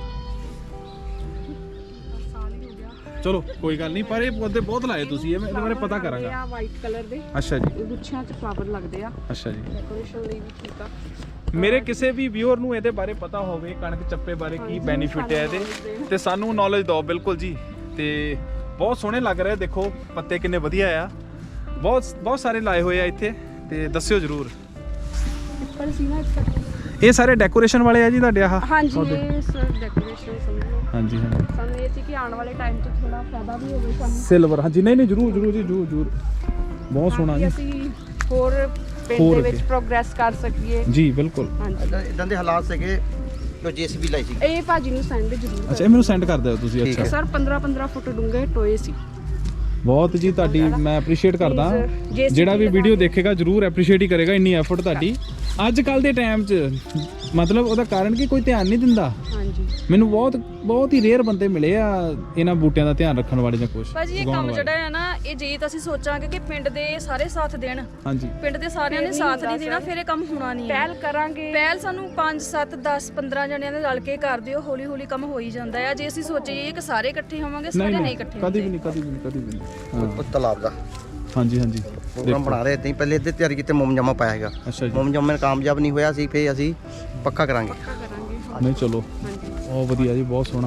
ਸਾਲ ਹੀ ਹੋ ਗਿਆ।
ਚਲੋ ਕੋਈ ਗੱਲ ਨਹੀਂ, ਪਰ ਇਹ ਪੌਦੇ ਬਹੁਤ ਲਾਏ ਤੁਸੀਂ, ਇਹ ਮੈਂ ਇਹਦੇ ਬਾਰੇ ਪਤਾ ਕਰਾਂਗਾ।
ਆ ਵਾਈਟ ਕਲਰ ਦੇ
ਅੱਛਾ ਜੀ,
ਗੁੱਛਿਆਂ 'ਚ ਫਲਾਵਰ ਲੱਗਦੇ ਆ,
ਅੱਛਾ ਜੀ।
ਡੈਕੋਰੇਸ਼ਨ ਲਈ ਵੀ ਠੀਕ ਆ।
ਮੇਰੇ ਕਿਸੇ ਵੀ ਵਿਊਅਰ ਨੂੰ ਇਹਦੇ ਬਾਰੇ ਪਤਾ ਹੋਵੇ, ਕਣਕ ਚੱਪੇ ਬਾਰੇ ਕੀ ਬੈਨੀਫਿਟ ਹੈ ਇਹਦੇ, ਤੇ ਸਾਨੂੰ ਨੌਲੇਜ ਦਿਓ ਬਿਲਕੁਲ ਜੀ। ਤੇ ਬਹੁਤ ਸੋਹਣੇ ਲੱਗ ਰਹੇ, ਦੇਖੋ ਪੱਤੇ ਕਿੰਨੇ ਵਧੀਆ ਆ, ਬਹੁਤ ਸਾਰੇ ਲਾਏ ਹੋਏ ਆ ਇੱਥੇ, ਤੇ ਦੱਸਿਓ ਜ਼ਰੂਰ।
ਪਿੱਪਲ ਸੀ ਨਾ ਇਸ ਕਰਕੇ।
ਇਹ ਸਾਰੇ ਡੈਕੋਰੇਸ਼ਨ ਵਾਲੇ ਆ ਜੀ ਤੁਹਾਡੇ ਆਹ?
ਹਾਂਜੀ ਇਹ ਸਰ ਡੈਕੋਰੇਸ਼ਨ ਸਮਝੋ।
ਹਾਂਜੀ ਹਾਂਜੀ।
ਸਾਨੂੰ ਇਹ ਸੀ ਕਿ ਆਉਣ ਵਾਲੇ ਟਾਈਮ 'ਚ ਥੋੜਾ ਫਾਇਦਾ ਵੀ ਹੋਵੇ ਸਾਨੂੰ।
ਸਿਲਵਰ, ਹਾਂਜੀ। ਨਹੀਂ ਨਹੀਂ, ਜ਼ਰੂਰ ਜ਼ਰੂਰ ਜੀ, ਜ਼ਰੂਰ ਜ਼ਰੂਰ। ਬਹੁਤ ਸੋਹਣਾ ਜੀ।
ਅਸੀਂ ਹੋਰ ਪਿੰਡ
ਹੋਰ
ਦੇ ਵਿੱਚ
ਅੱਗੇ।
ਪ੍ਰੋਗਰੈਸ ਕਰ ਸਕੀਏ।
ਜੀ ਬਿਲਕੁਲ।
ਹਾਂਜੀ
ਇਦਾਂ ਦੇ ਹਾਲਾਤ ਸੀਗੇ ਜੋ ਜੀਸੀਬੀ ਲਾਈ ਸੀ।
ਇਹ ਭਾਜੀ ਨੂੰ ਸੈਂਡ ਜ਼ਰੂਰ
ਅੱਛਾ, ਇਹ ਮੈਨੂੰ ਸੈਂਡ ਕਰ ਦਿਓ ਤੁਸੀਂ।
ਠੀਕ
ਅੱਛਾ,
ਸਰ 15 ਫੁੱਟ ਡੂੰਘੇ ਟੋਏ ਸੀ।
ਬਹੁਤ ਜੀ, ਤੁਹਾਡੀ ਮੈਂ ਐਪਰੀਸ਼ੀਏਟ ਕਰਦਾ।
JCB
ਜਿਹੜਾ ਵੀ ਵੀਡੀਓ ਦੇਖੇਗਾ ਜ਼ਰੂਰ ਐਪਰੀਸ਼ੀਏਟ ਹੀ ਕਰੇਗਾ, ਇੰਨੀ ਐਫਰਟ ਤੁਹਾਡੀ ਅੱਜ ਕੱਲ ਦੇ ਟਾਈਮ 'ਚ। ਮਤਲਬ ਉਹਦਾ ਕਾਰਨ ਕਿ ਕੋਈ ਧਿਆਨ ਨਹੀਂ ਦਿੰਦਾ।
ਹਾਂਜੀ
ਮੈਨੂੰ ਬਹੁਤ ਹੀ ਰੇਅਰ ਬੰਦੇ ਮਿਲੇ ਆ ਇਹਨਾਂ ਬੂਟਿਆਂ ਦਾ ਧਿਆਨ ਰੱਖਣ ਵਾਲੇ ਜਾਂ ਕੁਝ
ਭਾਜੀ ਇਹ ਕੰਮ ਜਿਹੜਾ ਹੈ ਨਾ, ਇਹ ਜੇ ਤਾਂ ਅਸੀਂ ਸੋਚਾਂਗੇ ਕਿ ਪਿੰਡ ਦੇ ਸਾਰੇ ਸਾਥ ਦੇਣ,
ਹਾਂਜੀ
ਪਿੰਡ ਦੇ ਸਾਰਿਆਂ ਨੇ ਸਾਥ ਨਹੀਂ ਦੇਣਾ, ਫਿਰ ਇਹ ਕੰਮ ਹੋਣਾ ਨਹੀਂ ਹੈ।
ਪਹਿਲ ਕਰਾਂਗੇ।
ਪਹਿਲ ਸਾਨੂੰ 5 7 10 15 ਜਣਿਆਂ ਦੇ ਰਲ ਕੇ ਕਰ ਦਿਓ, ਹੌਲੀ ਹੌਲੀ ਕੰਮ ਹੋ ਹੀ ਜਾਂਦਾ ਹੈ। ਜੇ ਅਸੀਂ ਸੋਚੀਏ ਕਿ ਸਾਰੇ ਇਕੱਠੇ ਹੋਵਾਂਗੇ, ਸਾਰੇ ਨਹੀਂ ਇਕੱਠੇ
ਕਦੀ ਵੀ ਨਹੀਂ, ਕਦੀ ਵੀ ਨਹੀਂ, ਕਦੀ ਵੀ ਨਹੀਂ।
ਉਹ ਤਲਾਬ ਦਾ
ਹਾਂਜੀ ਹਾਂਜੀ,
ਪ੍ਰੋਗਰਾਮ ਬਣਾ ਰਹੇ ਤੇ ਪਹਿਲੇ ਇੱਥੇ ਤਿਆਰੀ ਕੀਤੇ, ਮੋਮਜਾਮਾ ਪਾਇਆ ਹੈਗਾ।
ਅੱਛਾ ਜੀ।
ਮੋਮਜਾਮੇ ਕਾਮਯਾਬ ਨਹੀਂ ਹੋਇਆ ਸੀ, ਫੇਰ ਅਸੀਂ ਪੱਕਾ ਕਰਾਂਗੇ।
ਨਹੀਂ ਚਲੋ, ਬਹੁਤ ਵਧੀਆ ਜੀ, ਬਹੁਤ ਸੋਹਣਾ।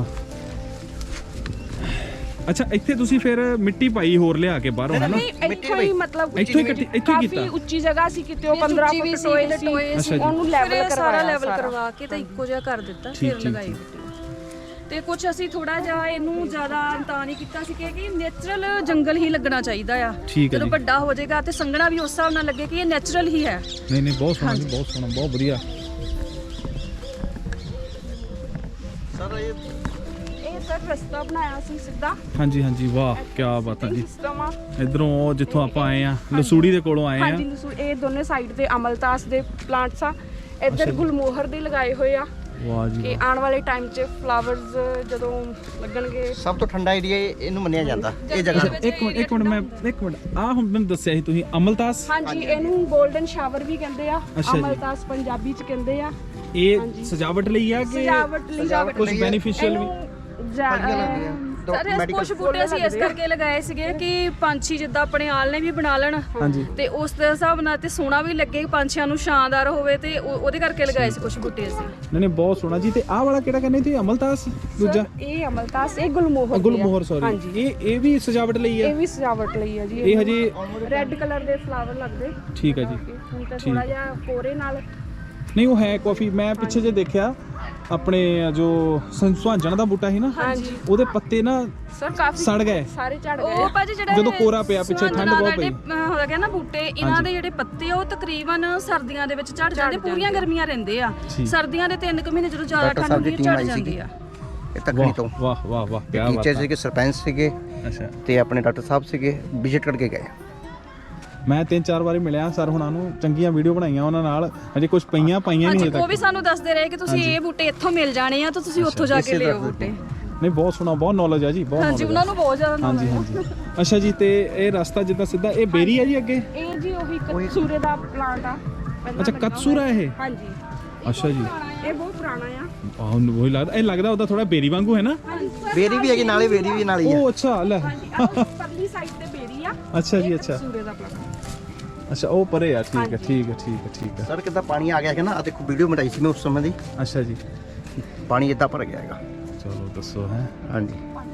ਅੱਛਾ, ਇੱਥੇ ਤੁਸੀਂ ਫਿਰ ਮਿੱਟੀ ਪਾਈ ਹੋਰ ਲਿਆ ਕੇ ਬਾਹਰੋਂ, ਹੈ ਨਾ?
ਇੱਥੋਂ ਹੀ ਮਤਲਬ
ਇੱਥੋਂ ਹੀ ਕੀਤਾ।
ਕਾਫੀ ਉੱਚੀ ਜਗ੍ਹਾ ਸੀ, ਕਿਤੇ ਉਹ 15 ਫੁੱਟ ਟੋਏ ਸੀ,
ਅੱਛਾ ਜੀ।
ਉਹਨੂੰ ਲੈਵਲ
ਸਾਰਾ ਲੈਵਲ ਕਰਵਾ ਕੇ ਤਾਂ ਇੱਕੋ ਜਿਹਾ ਕਰ ਦਿੱਤਾ,
ਠੀਕ,
ਫਿਰ
ਠੀਕ,
ਲਗਾਈ ਤੇ ਕੁਝ ਅਸੀਂ ਥੋੜਾ ਜਿਹਾ ਇਹਨੂੰ ਜ਼ਿਆਦਾ ਤਾਂ ਨਹੀਂ ਕੀਤਾ ਸੀ ਕਿ ਨੇਚਰਲ ਜੰਗਲ ਹੀ ਲੱਗਣਾ ਚਾਹੀਦਾ ਆ।
ਠੀਕ ਹੈ
ਜਦੋਂ
ਜੀ।
ਵੱਡਾ ਹੋ ਜਾਏਗਾ ਤੇ ਸੰਘਣਾ ਵੀ ਉਸ ਹਿਸਾਬ ਨਾਲ ਲੱਗੇ ਕਿ ਇਹ ਨੇਚਰਲ ਹੀ ਹੈ।
ਨਹੀਂ ਨਹੀਂ, ਬਹੁਤ ਸੋਹਣਾ ਜੀ, ਬਹੁਤ ਸੋਹਣਾ, ਬਹੁਤ ਵਧੀਆ।
ਸਰ ਇਹ
ਇਹ ਸਰ ਰਸਤਾ ਬਣਾਇਆ ਸੀ ਸਿੱਧਾ।
ਹਾਂਜੀ ਹਾਂਜੀ, ਵਾਹ ਕੀ ਬਾਤ ਹੈ ਜੀ।
ਸਿਸਟਮ ਆ।
ਇਧਰੋਂ ਉਹ ਜਿੱਥੋਂ ਆਪਾਂ ਆਏ ਆ, ਲਸੂੜੀ ਦੇ ਕੋਲੋਂ ਆਏ ਆ।
ਹਾਂਜੀ ਇਹ ਦੋਨੇ ਸਾਈਡ ਤੇ ਅਮਲਤਾਸ ਦੇ ਪਲਾਂਟਸ ਆ, ਇੱਧਰ ਗੁਲਮੋਹਰ ਦੇ ਲਗਾਏ ਹੋਏ ਆ।
ਵਾਹ ਜੀ,
ਕਿ ਆਉਣ ਵਾਲੇ ਟਾਈਮ 'ਚ ਫਲਾਵਰਸ ਜਦੋਂ ਲੱਗਣਗੇ।
ਸਭ ਤੋਂ ਠੰਡਾ ਏਰੀਆ ਇਹਨੂੰ ਮੰਨਿਆ ਜਾਂਦਾ ਇਹ ਜਗ੍ਹਾ।
ਇੱਕ ਮਿੰਟ ਆਹ ਹੁਣ ਮੈਨੂੰ ਦੱਸਿਆ ਸੀ ਤੁਸੀਂ, ਅਮਲਤਾਸ।
ਹਾਂਜੀ ਇਹਨੂੰ 골ਡਨ ਸ਼ਾਵਰ ਵੀ ਕਹਿੰਦੇ ਆ,
ਅੱਛਾ ਜੀ।
ਅਮਲਤਾਸ ਪੰਜਾਬੀ 'ਚ ਕਹਿੰਦੇ ਆ।
ਇਹ ਸਜਾਵਟ ਲਈ ਆ ਕਿ
ਸਜਾਵਟ ਲਈ
ਕੁਝ ਬੈਨੀਫੀਸ਼ੀਅਲ ਵੀ?
ਸਾਰੇ ਕੁਝ ਬੂਟੇ ਅਸੀਂ ਇਸ ਕਰਕੇ ਲਗਾਏ ਸੀਗੇ ਕਿ ਪੰਛੀ ਜਿੱਦਾਂ ਆਪਣੇ ਆਲਣੇ ਵੀ ਬਣਾ ਲੈਣ
ਹਾਂਜੀ
ਤੇ ਉਸ ਦੇ ਹਿਸਾਬ ਨਾਲ ਤੇ ਸੋਹਣਾ ਵੀ ਲੱਗੇ ਪੰਛੀਆਂ ਨੂੰ ਸ਼ਾਨਦਾਰ ਹੋਵੇ ਤੇ ਉਹਦੇ ਕਰਕੇ ਲਗਾਏ ਸੀ ਕੁਝ ਬੂਟੇ ਅਸੀਂ।
ਨਹੀਂ ਨਹੀਂ ਬਹੁਤ ਸੋਹਣਾ ਜੀ। ਤੇ ਆਹ ਵਾਲਾ ਕਿਹੜਾ ਕਹਿੰਦੇ ਤੇ ਅਮਲਤਾਸ ਦੂਜਾ
ਇਹ ਅਮਲਤਾਸ, ਇਹ ਗੁਲਮੋਹਰ
ਗੁਲਮੋਹਰ ਸੌਰੀ ਇਹ ਵੀ ਸਜਾਵਟ ਲਈ ਆ?
ਇਹ ਵੀ ਸਜਾਵਟ ਲਈ ਹੈ ਜੀ।
ਇਹ ਹਜੇ
ਰੈੱਡ ਕਲਰ ਦੇ ਫਲਾਵਰ ਲੱਗਦੇ।
ਠੀਕ ਹੈ ਜੀ।
ਹੁਣ ਤਾਂ ਥੋੜਾ ਜਿਹਾ ਕੋਰੇ ਨਾਲ
ਨਹੀਂ ਉਹ ਹੈ ਕਾਫੀ। ਮੈਂ ਪਿੱਛੇ ਜੇ ਦੇਖਿਆ ਆਪਣੇ ਜੋ ਸੁਹਾਂਜਣ ਦਾ ਬੂਟਾ ਸੀ ਨਾ
ਹਾਂਜੀ
ਉਹਦੇ ਪੱਤੇ ਨਾ
ਸਰ ਕਾਫੀ
ਸੜ ਗਏ।
ਸਾਰੇ ਝੜ
ਉਹ
ਗਏ।
ਭਾਜੀ ਜਿਹੜਾ
ਜਦੋਂ ਕੋਰਾ ਪਿਆ ਪਿੱਛੇ ਠੰਡ ਬਹੁਤ ਪਈ
ਹੋ ਗਿਆ ਨਾ ਬੂਟੇ ਇਹਨਾਂ ਦੇ ਜਿਹੜੇ ਪੱਤੇ ਆ ਉਹ ਤਕਰੀਬਨ ਸਰਦੀਆਂ ਦੇ ਵਿੱਚ ਝੜ ਜਾਂਦੇ, ਪੂਰੀਆਂ ਗਰਮੀਆਂ ਰਹਿੰਦੇ ਆ। ਸਰਦੀਆਂ ਦੇ 3 ਮਹੀਨੇ ਜਦੋਂ ਜ਼ਿਆਦਾ ਠੰਡ ਹੁੰਦੀ ਹੈ ਝੜ ਜਾਂਦੇ ਆ।
ਇਹ ਤੱਕਣੀ ਤੋਂ
ਵਾਹ ਵਾਹ ਵਾਹ ਕੀ ਬਾਤ
ਟੀਚਰ ਸੀਗੇ, ਸਰਪੰਚ ਸੀਗੇ
ਅੱਛਾ
ਤੇ ਆਪਣੇ ਡਾਕਟਰ ਸਾਹਿਬ ਸੀਗੇ, ਵਿਜ਼ਿਟ ਕਰਕੇ ਗਏ।
ਮੈਂ 3-4 ਵਾਰੀ ਮਿਲਿਆ ਸਰ ਹੁਣਾਂ ਨੂੰ, ਚੰਗੀਆਂ ਵੀਡੀਓ ਬਣਾਈਆਂ ਉਹਨਾਂ ਨਾਲ। ਅਜੇ ਕੁਝ ਪਾਈਆਂ ਨਹੀਂ
ਹਾਂਜੀ
ਹਜੇ
ਉਹ ਵੀ
ਤੱਕ।
ਸਾਨੂੰ ਦੱਸਦੇ ਰਹੇ ਕਿ ਤੁਸੀਂ ਇਹ ਬੂਟੇ ਇੱਥੋਂ ਮਿਲ ਜਾਣੇ ਆ ਤਾਂ ਤੁਸੀਂ ਉੱਥੋਂ ਜਾ ਕੇ ਲਿਓ ਬੂਟੇ।
ਨਹੀਂ ਬਹੁਤ ਸੋਹਣਾ, ਬਹੁਤ ਨੌਲੇਜ ਆ ਜੀ, ਬਹੁਤ
ਹਾਂਜੀ
knowledge
ਉਹਨਾਂ ਨੂੰ ਬਹੁਤ ਜ਼ਿਆਦਾ
ਆ। ਹਾਂਜੀ
knowledge ਆ।
ਹਾਂਜੀ ਅੱਛਾ ਜੀ। ਤੇ ਇਹ ਰਸਤਾ ਜਿੱਦਾਂ ਸਿੱਧਾ ਇਹ ਬੇਰੀ ਹੈ ਜੀ ਅੱਗੇ?
ਇਹ ਜੀ ਉਹੀ ਕਤਸੂਰੇ ਦਾ ਪਲਾਂਟ ਆ। ਪਹਿਲਾਂ
ਅੱਛਾ
ਲੱਗਾ
ਕਤਸੂਰਾ
ਹੋਇਆ।
ਇਹ?
ਹਾਂਜੀ
ਅੱਛਾ ਜੀ।
ਇਹ ਬਹੁਤ ਪੁਰਾਣਾ ਆ।
ਆਹ ਉਹੀ ਲੱਗਦਾ, ਇਹ ਲੱਗਦਾ ਉਹਦਾ ਥੋੜਾ ਬੇਰੀ ਵਾਂਗੂ ਹੈ ਨਾ?
ਬੇਰੀ ਵੀ ਹੈਗੀ ਨਾਲੇ, ਬੇਰੀ ਵੀ ਨਾਲ ਹੀ ਆ।
ਉਹ ਅੱਛਾ ਲੈ
ਹਾਂਜੀ ਆਹ ਪਰਲੀ ਸਾਈਡ ਤੇ ਬੇਰੀ ਆ।
ਅੱਛਾ ਜੀ ਅੱਛਾ
ਕਤਸੂਰੇ ਦਾ ਪਲਾਂਟ।
ਅੱਛਾ ਉਹ ਪਰੇ ਆ। ਠੀਕ ਹੈ ਠੀਕ ਹੈ ਠੀਕ ਹੈ ਠੀਕ ਹੈ।
ਸਰ ਕਿੱਦਾਂ ਪਾਣੀ ਆ ਗਿਆ ਹੈ ਨਾ, ਆ ਦੇਖੋ ਵੀਡੀਓ ਬਣਾਈ ਸੀ ਮੈਂ ਉਸ ਸਮੇਂ ਦੀ,
ਅੱਛਾ ਜੀ
ਪਾਣੀ ਇੱਦਾਂ ਭਰ ਗਿਆ ਹੈਗਾ।
ਚਲੋ ਦੱਸੋ ਹੈ।
ਹਾਂਜੀ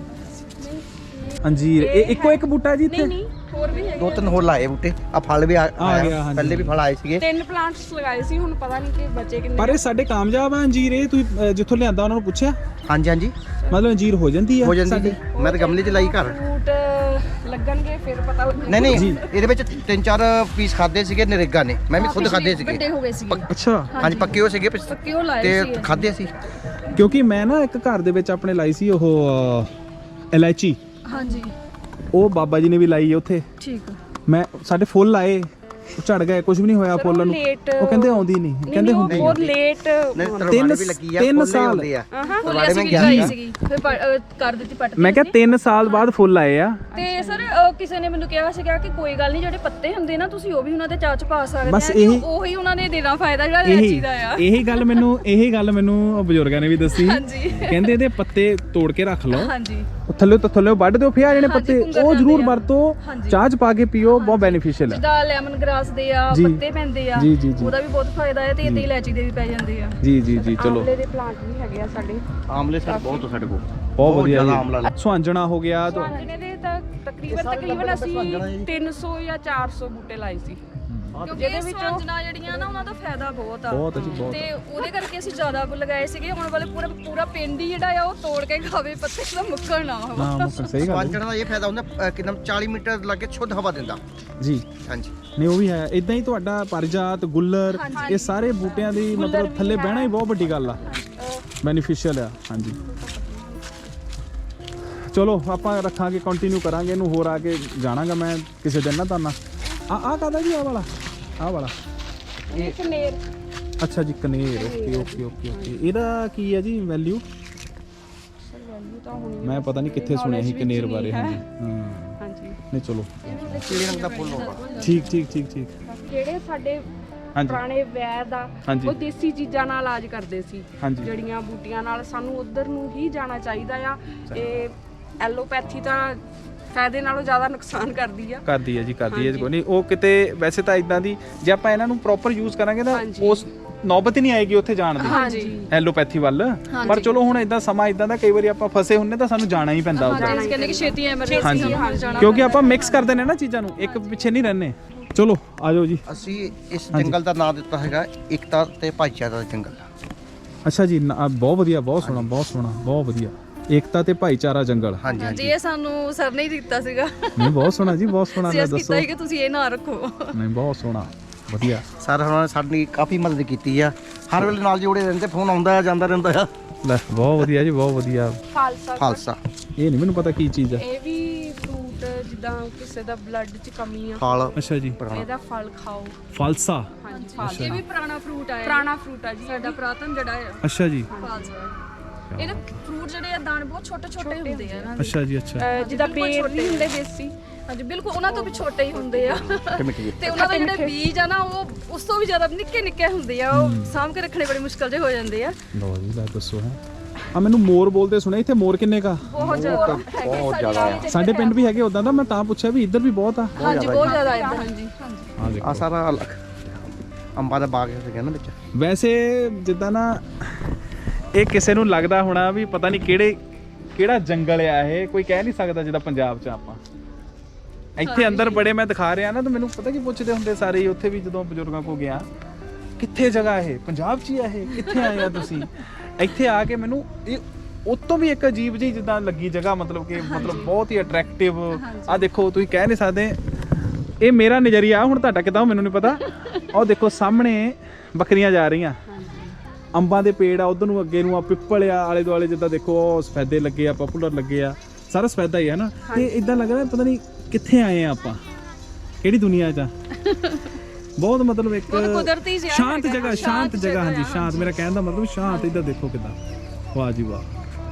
ਅੰਜੀਰ ਇਹ ਇੱਕੋ ਇੱਕ ਬੂਟਾ ਜੀ ਇੱਥੇ?
ਨਹੀਂ ਹੋਰ ਵੀ ਹੈਗੇ।
2-3 ਹੋਰ ਲਾਏ ਬੂਟੇ, ਆ ਫਲ ਵੀ
ਗਿਆ,
ਆਇਆ,
ਹਾਂਜੀ।
ਪਹਿਲੇ ਵੀ ਫਲ ਆਏ ਸੀਗੇ।
3 ਪਲਾਂਟਸ ਲਗਾਏ ਸੀ, ਹੁਣ ਪਤਾ ਨਹੀਂ ਕਿ ਬਚੇ ਕਿੰਨੇ।
ਪਰ ਇਹ ਸਾਡੇ ਕਾਮਯਾਬ ਆ ਅੰਜੀਰ। ਇਹ ਤੁਸੀਂ ਜਿੱਥੋਂ ਲਿਆਂਦਾ ਉਹਨਾਂ ਨੂੰ ਪੁੱਛਿਆ?
ਹਾਂਜੀ ਹਾਂਜੀ
ਮਤਲਬ ਅੰਜੀਰ ਹੋ ਜਾਂਦੀ ਆ
ਹੋ ਜਾਂਦੀ
ਸਾਡੇ?
ਜੀ। ਮੈਂ ਤਾਂ ਗਮਲੇ 'ਚ ਲਾਈ ਘਰ।
ਫਰੂਟ ਲੱਗਣਗੇ ਫਿਰ ਪਤਾ ਲੱਗੇਗਾ।
ਨਹੀਂ ਨਹੀਂ
ਜੀ।
ਇਹਦੇ ਵਿੱਚ 3-4 ਪੀਸ ਖਾਦੇ ਸੀਗੇ ਨਰੇਗਾ ਨੇ, ਮੈਂ ਵੀ ਖੁਦ ਖਾਦੇ ਸੀਗੇ।
ਵੱਡੇ ਹੋ ਗਏ ਸੀ
ਅੱਛਾ
ਹਾਂਜੀ ਪੱਕੇ ਹੋ ਸੀਗੇ
ਪੱਕੇ ਉਹ ਲਾਏ
ਤੇ
ਸੀ।
ਖਾਦੇ ਸੀ।
ਕਿਉਂਕਿ ਮੈਂ ਨਾ ਇੱਕ ਘਰ ਦੇ ਵਿੱਚ ਆਪਣੇ ਲਾਈ ਸੀ ਉਹ ਇਲਾਇਚੀ।
ਹਾਂਜੀ
ਉਹ ਬਾਬਾ ਜੀ ਨੇ ਵੀ ਲਾਈ ਹੈ ਉੱਥੇ।
ਠੀਕ ਆ।
ਮੈਂ ਸਾਡੇ ਫੁੱਲ ਲਾਏ, ਉਹ ਝੜ ਗਏ, ਕੁਝ ਵੀ ਨਹੀਂ ਹੋਇਆ ਫੁੱਲਾਂ ਨੂੰ। ਉਹ ਕਹਿੰਦੇ ਆਉਂਦੀ ਨਹੀਂ, ਕਹਿੰਦੇ ਹੁੰਦੀ
ਬਹੁਤ ਲੇਟ
ਨਹੀਂ ਤਰਵਾੜੇ ਵੀ ਲੱਗੀ ਆ,
3
ਫੁੱਲ
ਸਾਲ
ਹੁੰਦੇ ਆ।
ਫੁੱਲੇ ਅਸੀਂ ਵੀ ਲਾਈ ਸੀਗੀ ਫਿਰ ਕਰ ਦਿੱਤੀ ਪੱਟ
ਮੈਂ ਕਿਹਾ 3 ਸਾਲ ਬਾਅਦ ਫੁੱਲ ਆਏ ਆ।
ਤੇ ਸਰ ਕਿਸੇ ਨੇ ਮੈਨੂੰ ਕਿਹਾ ਸੀਗਾ ਕਿ ਕੋਈ ਗੱਲ ਨਹੀਂ, ਜਿਹੜੇ ਪੱਤੇ ਹੁੰਦੇ ਨਾ ਤੁਸੀਂ ਉਹ ਵੀ ਉਹਨਾਂ ਦੇ ਚਾਹ ਚ ਪਾ ਸਕਦੇ
ਬਸ
ਆ।
ਇਹੀ-
ਉਹੀ ਉਹਨਾਂ ਨੇ ਦੇਣਾ ਫਾਇਦਾ ਜਿਹੜਾ ਇਲਾਇਚੀ ਦਾ ਆ।
ਇਹੀ ਗੱਲ ਮੈਨੂੰ ਬਜ਼ੁਰਗਾਂ ਨੇ ਵੀ ਦੱਸੀ।
ਹਾਂਜੀ
ਕਹਿੰਦੇ ਇਹਦੇ ਪੱਤੇ ਤੋੜ ਕੇ ਰੱਖ ਲਓ,
ਹਾਂਜੀ
ਉਹ ਥੱਲੇ ਵੱਢ ਦਿਓ, ਫਿਰ ਆ ਜਿਹੜੇ ਪੱਤੇ ਉਹ ਜ਼ਰੂਰ ਵਰਤੋ,
ਹਾਂਜੀ।
ਚਾਹ ਚ ਪਾ ਕੇ ਪੀਓ, ਬਹੁਤ ਬੈਨੀਫੀਸ਼ੀਅਲ ਹੈ।
ਜਿੱਦਾਂ ਲੈਮਨ ਗ੍ਰਾਸ ਦੇ ਆ
ਜੀ।
ਪੱਤੇ ਪੈਂਦੇ ਆ,
ਜੀ, ਜੀ, ਜੀ।
ਉਹਦਾ ਵੀ ਬਹੁਤ ਫਾਇਦਾ ਹੈ ਤੇ ਇਹਦੇ ਇਲਾਇਚੀ ਦੇ ਵੀ ਪੈ ਜਾਂਦੇ ਆ।
ਜੀ ਜੀ ਜੀ ਚਲੋ
ਆਮਲੇ ਦੇ ਪਲਾਂਟ ਵੀ ਹੈਗੇ ਆ ਸਾਡੇ।
ਆਮਲੇ ਸਰ ਬਹੁਤ ਸਾਡੇ ਕੋਲ,
ਬਹੁਤ ਵਧੀਆ
ਜ਼ਿਆਦਾ ਆਮਲਾ
ਜੀ। ਸੁਹਾਂਜਣਾ ਹੋ ਗਿਆ ਤਾਂ
ਸੁਹਾਂਜਣੇ ਦੇ ਤਾਂ ਤਕਰੀਬਨ ਅਸੀਂ 300 ਜਾਂ 400 ਬੂਟੇ ਲਾਏ ਸੀ।
ਕਿਉਂਕਿ ਇਹ ਸੁਹਾਂਜਣਾ ਜਿਹੜੀਆਂ ਨਾ ਉਹਨਾਂ ਦਾ ਫਾਇਦਾ ਬਹੁਤ ਆ।
ਬਹੁਤ ਜੀ ਬਹੁਤ।
ਤੇ ਉਹਦੇ ਕਰਕੇ ਅਸੀਂ ਜ਼ਿਆਦਾ ਲਗਾਏ ਸੀਗੇ। ਹੁਣ ਵਾਲੇ ਪੂਰਾ ਪਿੰਡ ਹੀ ਜਿਹੜਾ ਆ ਉਹ ਤੋੜ ਕੇ ਖਾਵੇ, ਪੱਤੇ ਦਾ ਮੁੱਕਣ ਨਾ ਹੋਵੇ।
ਨਾ ਮੁੱਕਣ, ਸਹੀ ਗੱਲ ਹੈ
ਪਾਂਚਣਾ ਦਾ ਇਹ ਫਾਇਦਾ ਹੁੰਦਾ ਕਿ 40 ਮੀਟਰ ਲੱਗੇ ਸ਼ੁੱਧ ਹਵਾ ਦਿੰਦਾ
ਜੀ।
ਹਾਂਜੀ
ਨਹੀਂ ਉਹ ਵੀ ਹੈ ਇਦਾਂ ਹੀ। ਤੁਹਾਡਾ ਪਰਜਾਤ, ਗੁੱਲਰ, ਇਹ ਸਾਰੇ ਬੂਟਿਆਂ ਦੀ ਮਤਲਬ ਥੱਲੇ ਬਹਿਣਾ ਹੀ ਬਹੁਤ ਵੱਡੀ ਗੱਲ ਆ, ਬੈਨੀਫੀਸ਼ੀਅਲ ਆ। ਹਾਂਜੀ ਚਲੋ ਆਪਾਂ ਰੱਖਾਂਗੇ, ਕੰਟੀਨਿਊ ਕਰਾਂਗੇ ਇਹਨੂੰ। ਹੋਰ ਆ ਕੇ ਜਾਣਾਗਾ ਮੈਂ ਕਿਸੇ ਦਿਨ ਨਾ ਤੁਹਾਨੂੰ। ਆ ਕਾਹਦਾ ਜੀ? ਆਹ ਵਾਲਾ
ਇਹ ਕਨੇਰ
ਅੱਛਾ ਜੀ ਕਨੇਰ। Okay okay okay okay. ਇਹਦਾ ਕੀ ਹੈ ਜੀ ਵੈਲਿਊ?
ਵੈਲਿਊ ਤਾਂ ਹੋਣੀ
ਮੈਂ ਪਤਾ ਨਹੀਂ ਕਿੱਥੇ ਸੁਣਿਆ ਸੀ ਕਨੇਰ ਬਾਰੇ। ਹਾਂਜੀ ਹਾਂ
ਹਾਂਜੀ।
ਨਹੀਂ ਚਲੋ
ਕਿਹੜੇ ਰੰਗ ਦਾ ਫੁੱਲ ਹੋਗਾ?
ਠੀਕ ਠੀਕ ਠੀਕ ਠੀਕ।
ਜਿਹੜੇ ਸਾਡੇ
ਹਾਂਜੀ
ਪੁਰਾਣੇ ਵੈਦ ਆ
ਹਾਂਜੀ।
ਉਹ ਦੇਸੀ ਚੀਜ਼ਾਂ ਨਾਲ ਇਲਾਜ ਕਰਦੇ ਸੀ,
ਹਾਂਜੀ
ਜੜੀਆਂ ਬੂਟੀਆਂ ਨਾਲ। ਸਾਨੂੰ ਉਧਰ ਨੂੰ ਹੀ ਜਾਣਾ ਚਾਹੀਦਾ ਆ। ਇਹ ਐਲੋਪੈਥੀ ਤਾਂ ਫਾਇਦੇ ਨਾਲੋਂ ਜ਼ਿਆਦਾ ਨੁਕਸਾਨ ਕਰਦੀ ਆ।
ਕਰਦੀ ਹੈ ਜੀ, ਕਰਦੀ ਹੈ। ਕੋਈ ਨਹੀਂ ਉਹ ਕਿਤੇ ਵੈਸੇ ਤਾਂ ਇਦਾਂ ਦੀ ਜੇ ਆਪਾਂ ਇਹਨਾਂ ਨੂੰ ਪ੍ਰੋਪਰ ਯੂਜ਼ ਕਰਾਂਗੇ ਤਾਂ
ਹਾਂਜੀ।
ਉਸ ਨੌਬਤ ਹੀ ਨਹੀਂ ਆਏਗੀ ਉੱਥੇ ਜਾਣ ਦੀ
ਹਾਂਜੀ
ਐਲੋਪੈਥੀ ਵੱਲ। ਪਰ ਚਲੋ ਹੁਣ ਇਦਾਂ ਸਮਾਂ ਇਦਾਂ ਦਾ, ਕਈ ਵਾਰੀ ਆਪਾਂ ਫਸੇ ਹੁੰਨੇ ਤਾਂ ਸਾਨੂੰ ਜਾਣਾ ਹੀ ਪੈਂਦਾ ਉੱਧਰ।
ਹਾਂਜੀ ਕਹਿੰਦੇ ਕਿ ਛੇਤੀ ਐਮਰਜੈਂਸੀ
ਹਾਂਜੀ
ਜਾਣਾ
ਕਿਉਂਕਿ ਆਪਾਂ ਮਿਕਸ ਕਰਦੇ ਨੇ ਨਾ ਚੀਜ਼ਾਂ ਨੂੰ, ਇੱਕ ਪਿੱਛੇ ਨਹੀਂ ਰਹਿੰਦੇ। ਚਲੋ ਆਜੋ ਜੀ।
ਅਸੀਂ ਇਸ ਜੰਗਲ ਦਾ ਨਾਮ ਦਿੱਤਾ ਹੈਗਾ ਏਕਤਾ ਤੇ ਭਾਈਚਾਰਾ ਦਾ ਜੰਗਲ।
ਅੱਛਾ ਜੀ ਬਹੁਤ ਵਧੀਆ, ਬਹੁਤ ਸੋਹਣਾ, ਬਹੁਤ ਸੋਹਣਾ, ਬਹੁਤ ਵਧੀਆ। ਏਕਤਾ ਤੇ ਭਾਈਚਾਰਾ ਜੰਗਲ।
ਹਾਂਜੀ
ਹਾਂਜੀ ਇਹ ਸਾਨੂੰ ਸਰ ਨੇ ਹੀ ਦਿੱਤਾ ਸੀਗਾ।
ਨਹੀਂ ਬਹੁਤ ਸੋਹਣਾ ਜੀ, ਬਹੁਤ ਸੋਹਣਾ। ਲੈ
ਅਸੀਂ
ਦੱਸੋ।
ਕੀਤਾ ਹੀ ਕਿ ਤੁਸੀਂ ਇਹ ਨਾ ਰੱਖੋ।
ਨਹੀਂ ਬਹੁਤ ਸੋਹਣਾ, ਵਧੀਆ।
ਸਰ ਉਹਨਾਂ ਨੇ ਸਾਡੀ ਕਾਫੀ ਮਦਦ ਕੀਤੀ ਆ, ਹਰ ਵੇਲੇ ਨਾਲ ਜੋੜੇ ਰਹਿੰਦੇ, ਫੋਨ ਆਉਂਦਾ ਜਾਂਦਾ ਰਹਿੰਦਾ ਆ।
ਲੈ ਬਹੁਤ ਵਧੀਆ ਜੀ, ਬਹੁਤ ਵਧੀਆ।
ਖਾਲਸਾ
ਇਹ ਨਹੀਂ ਮੈਨੂੰ ਪਤਾ ਕੀ ਚੀਜ਼ ਹੈ।
ਇਹ ਵੀ ਫਰੂਟ, ਜਿੱਦਾਂ ਕਿਸੇ ਦਾ ਬਲੱਡ 'ਚ ਕਮੀ ਆ,
ਫਲ
ਅੱਛਾ ਜੀ
ਇਹਦਾ ਫਲ ਖਾਓ।
ਫਾਲਸਾ।
ਹਾਂਜੀ
ਇਹ ਵੀ ਪੁਰਾਣਾ ਫਰੂਟ ਆ।
ਪੁਰਾਣਾ ਫਰੂਟ ਆ ਜੀ
ਸਾਡਾ ਪੁਰਾਤਨ ਜਿਹੜਾ ਆ
ਅੱਛਾ ਜੀ
ਫਾਲਸਾ। ਇਹਦੇ ਫਰੂਟ ਜਿਹੜੇ ਆ ਦਾਣੇ ਬਹੁਤ ਛੋਟੇ ਛੋਟੇ ਹੁੰਦੇ ਆ ਇਹਨਾਂ ਦੇ।
ਅੱਛਾ ਜੀ ਅੱਛਾ।
ਜਿੱਦਾਂ ਬੇਰ ਨਹੀਂ ਹੁੰਦੇ ਦੇਸੀ,
ਹਾਂਜੀ ਬਿਲਕੁਲ ਉਹਨਾਂ ਤੋਂ ਵੀ ਛੋਟੇ ਹੀ ਹੁੰਦੇ ਆ।
ਮਿੱਠੀ
ਤੇ ਉਹਨਾਂ ਦੇ ਜਿਹੜੇ ਬੀਜ ਆ ਨਾ ਉਹ ਉਸ ਤੋਂ ਵੀ ਜ਼ਿਆਦਾ ਨਿੱਕੇ ਨਿੱਕੇ ਹੁੰਦੇ ਆ। ਉਹ ਸਾਂਭ ਕੇ ਰੱਖਣੇ ਬੜੀ ਮੁਸ਼ਕਲ ਜਿਹੇ ਹੋ ਜਾਂਦੇ ਆ।
ਲਓ ਜੀ ਲੈ ਦੱਸੋ ਹੈ। ਆ ਮੈਨੂੰ ਮੋਰ ਬੋਲਦੇ ਸੁਣਿਆ, ਇੱਥੇ ਮੋਰ ਕਿੰਨੇ ਕਾ?
ਬਹੁਤ ਜ਼ਿਆਦਾ
ਬਹੁਤ ਜ਼ਿਆਦਾ ਆ।
ਸਾਡੇ ਪਿੰਡ ਵੀ ਹੈਗੇ ਉਦਾਂ ਦਾ, ਮੈਂ ਤਾਂ ਪੁੱਛਿਆ ਵੀ ਇੱਧਰ ਵੀ ਬਹੁਤ ਆ।
ਹਾਂਜੀ ਬਹੁਤ ਜ਼ਿਆਦਾ ਇੱਧਰ ਹਾਂਜੀ
ਆ ਦੇਖੋ
ਆ ਸਾਰਾ ਅੰਬਾਂ ਦਾ ਬਾਗ ਸੀਗਾ ਨਾ ਵਿੱਚ।
ਵੈਸੇ ਜਿੱਦਾਂ ਨਾ ਇਹ ਕਿਸੇ ਨੂੰ ਲੱਗਦਾ ਹੋਣਾ ਵੀ ਪਤਾ ਨਹੀਂ ਕਿਹੜਾ ਜੰਗਲ ਆ ਇਹ, ਕੋਈ ਕਹਿ ਨਹੀਂ ਸਕਦਾ ਜਿੱਦਾਂ ਪੰਜਾਬ 'ਚ ਆਪਾਂ ਇੱਥੇ ਅੰਦਰ ਬੜੇ ਮੈਂ ਦਿਖਾ ਰਿਹਾ ਨਾ, ਤਾਂ ਮੈਨੂੰ ਪਤਾ ਕੀ ਪੁੱਛਦੇ ਹੁੰਦੇ ਸਾਰੇ ਹੀ ਉੱਥੇ ਵੀ ਜਦੋਂ ਬਜ਼ੁਰਗਾਂ ਕੋ ਗਿਆ, ਕਿੱਥੇ ਜਗ੍ਹਾ ਇਹ, ਪੰਜਾਬ 'ਚ ਹੀ ਆ ਇਹ, ਕਿੱਥੇ ਆਏ ਆ ਤੁਸੀਂ? ਇੱਥੇ ਆ ਕੇ ਮੈਨੂੰ ਇਹ ਉਤੋਂ ਵੀ ਇੱਕ ਅਜੀਬ ਜਿਹੀ ਜਿੱਦਾਂ ਲੱਗੀ ਜਗ੍ਹਾ, ਮਤਲਬ ਕਿ ਬਹੁਤ ਹੀ ਅਟਰੈਕਟਿਵ। ਆ ਦੇਖੋ ਤੁਸੀਂ ਕਹਿ ਨਹੀਂ ਸਕਦੇ, ਇਹ ਮੇਰਾ ਨਜ਼ਰੀਆ, ਹੁਣ ਤੁਹਾਡਾ ਕਿੱਦਾਂ ਮੈਨੂੰ ਨਹੀਂ ਪਤਾ। ਉਹ ਦੇਖੋ ਸਾਹਮਣੇ ਬੱਕਰੀਆਂ ਜਾ ਰਹੀਆਂ, ਅੰਬਾਂ ਦੇ ਪੇੜ ਆ ਉਧਰ ਨੂੰ, ਅੱਗੇ ਨੂੰ ਆ ਪਿੱਪਲ ਆ, ਆਲੇ ਦੁਆਲੇ ਜਿੱਦਾਂ ਦੇਖੋ ਉਹ ਸਫੈਦੇ ਲੱਗੇ ਆ, ਪਪੂਲਰ ਲੱਗੇ ਆ, ਸਾਰਾ ਸਫੈਦਾ ਹੀ ਹੈ ਨਾ। ਤੇ ਇਦਾਂ ਲੱਗ ਰਿਹਾ ਪਤਾ ਨਹੀਂ ਕਿੱਥੇ ਆਏ ਆ ਆਪਾਂ, ਕਿਹੜੀ ਦੁਨੀਆ 'ਚ ਆ। ਬਹੁਤ ਮਤਲਬ ਇੱਕ
ਕੁਦਰਤੀ ਜਿਹਾ
ਸ਼ਾਂਤ ਜਗ੍ਹਾ, ਸ਼ਾਂਤ ਜਗ੍ਹਾ। ਹਾਂਜੀ ਸ਼ਾਂਤ, ਮੇਰਾ ਕਹਿਣ ਦਾ ਮਤਲਬ ਸ਼ਾਂਤ। ਇੱਧਰ ਦੇਖੋ ਕਿੱਦਾਂ, ਵਾਹ ਜੀ ਵਾਹ।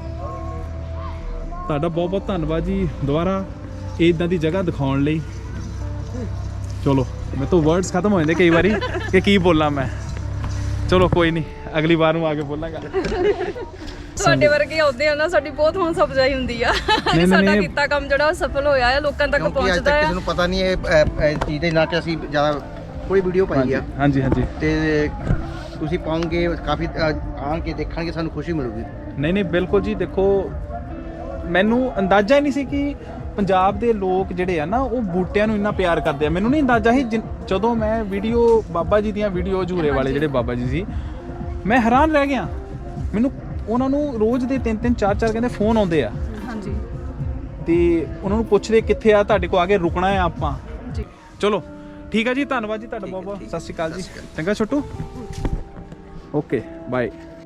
ਤੁਹਾਡਾ ਬਹੁਤ ਬਹੁਤ ਧੰਨਵਾਦ ਜੀ ਦੁਬਾਰਾ ਇਦਾਂ ਦੀ ਜਗ੍ਹਾ ਦਿਖਾਉਣ ਲਈ। ਚਲੋ ਮੇਰੇ ਤੋਂ ਵਰਡਸ ਖਤਮ ਹੋ ਜਾਂਦੇ ਕਈ ਵਾਰੀ ਕਿ ਕੀ ਬੋਲਾਂ ਮੈਂ। ਚਲੋ ਕੋਈ ਨਹੀਂ, ਅਗਲੀ ਵਾਰ ਨੂੰ ਆ ਕੇ ਬੋਲਾਂਗਾ।
ਤੁਹਾਡੇ ਵਰਗੇ ਆਉਂਦੇ ਆ ਨਾ, ਸਾਡੀ ਬਹੁਤ ਹੌਸਲਾ ਅਫਜ਼ਾਈ ਹੁੰਦੀ ਆ ਕਿ ਸਾਡਾ ਕੀਤਾ ਕੰਮ ਜਿਹੜਾ ਸਫਲ ਹੋਇਆ ਹੈ, ਲੋਕਾਂ ਤੱਕ
ਕਿਉਂਕਿ ਅੱਜ
ਪਹੁੰਚਦਾ
ਤੱਕ
ਹੈ।
ਕਿਸੇ ਨੂੰ ਪਤਾ ਨਹੀਂ ਇਹ ਚੀਜ਼ ਦੇ ਨਾਂ ਤੇ ਅਸੀਂ ਜ਼ਿਆਦਾ ਕੋਈ ਵੀਡੀਓ ਪਾਈ ਆ।
ਹਾਂਜੀ ਹਾਂਜੀ।
ਤੇ ਤੁਸੀਂ ਪਾਉਂਗੇ, ਕਾਫੀ ਆਣ ਕੇ ਦੇਖਣਗੇ, ਸਾਨੂੰ ਖੁਸ਼ੀ ਮਿਲੂਗੀ।
ਨਹੀਂ ਬਿਲਕੁਲ ਜੀ। ਦੇਖੋ ਮੈਨੂੰ ਅੰਦਾਜ਼ਾ ਹੀ ਨਹੀਂ ਸੀ ਕਿ ਪੰਜਾਬ ਦੇ ਲੋਕ ਜਿਹੜੇ ਆ ਨਾ ਉਹ ਬੂਟਿਆਂ ਨੂੰ ਇੰਨਾ ਪਿਆਰ ਕਰਦੇ ਆ। ਮੈਨੂੰ ਨਹੀਂ ਅੰਦਾਜ਼ਾ ਸੀ ਜਦੋਂ ਮੈਂ ਵੀਡੀਓ ਬਾਬਾ ਜੀ ਦੀਆਂ ਵੀਡੀਓ ਝੂਰੇ ਵਾਲੇ ਜਿਹੜੇ ਬਾਬਾ ਜੀ ਸੀ, ਮੈਂ ਹੈਰਾਨ ਰਹਿ ਗਿਆ। ਮੈਨੂੰ ਉਹਨਾਂ ਨੂੰ ਰੋਜ਼ ਦੇ 3-3 4-4 ਕਹਿੰਦੇ ਫੋਨ ਆਉਂਦੇ ਆ।
ਹਾਂਜੀ।
ਤੇ ਉਹਨਾਂ ਨੂੰ ਪੁੱਛਦੇ ਕਿੱਥੇ ਆ, ਤੁਹਾਡੇ ਕੋਲ ਆ ਕੇ ਰੁਕਣਾ ਹੈ ਆਪਾਂ।
ਜੀ
ਚਲੋ ਠੀਕ ਹੈ ਜੀ, ਧੰਨਵਾਦ ਜੀ ਤੁਹਾਡਾ ਬਹੁਤ ਬਹੁਤ। ਸਤਿ ਸ਼੍ਰੀ ਅਕਾਲ ਜੀ। ਚੰਗਾ ਛੋਟੂ, ਓਕੇ ਬਾਏ।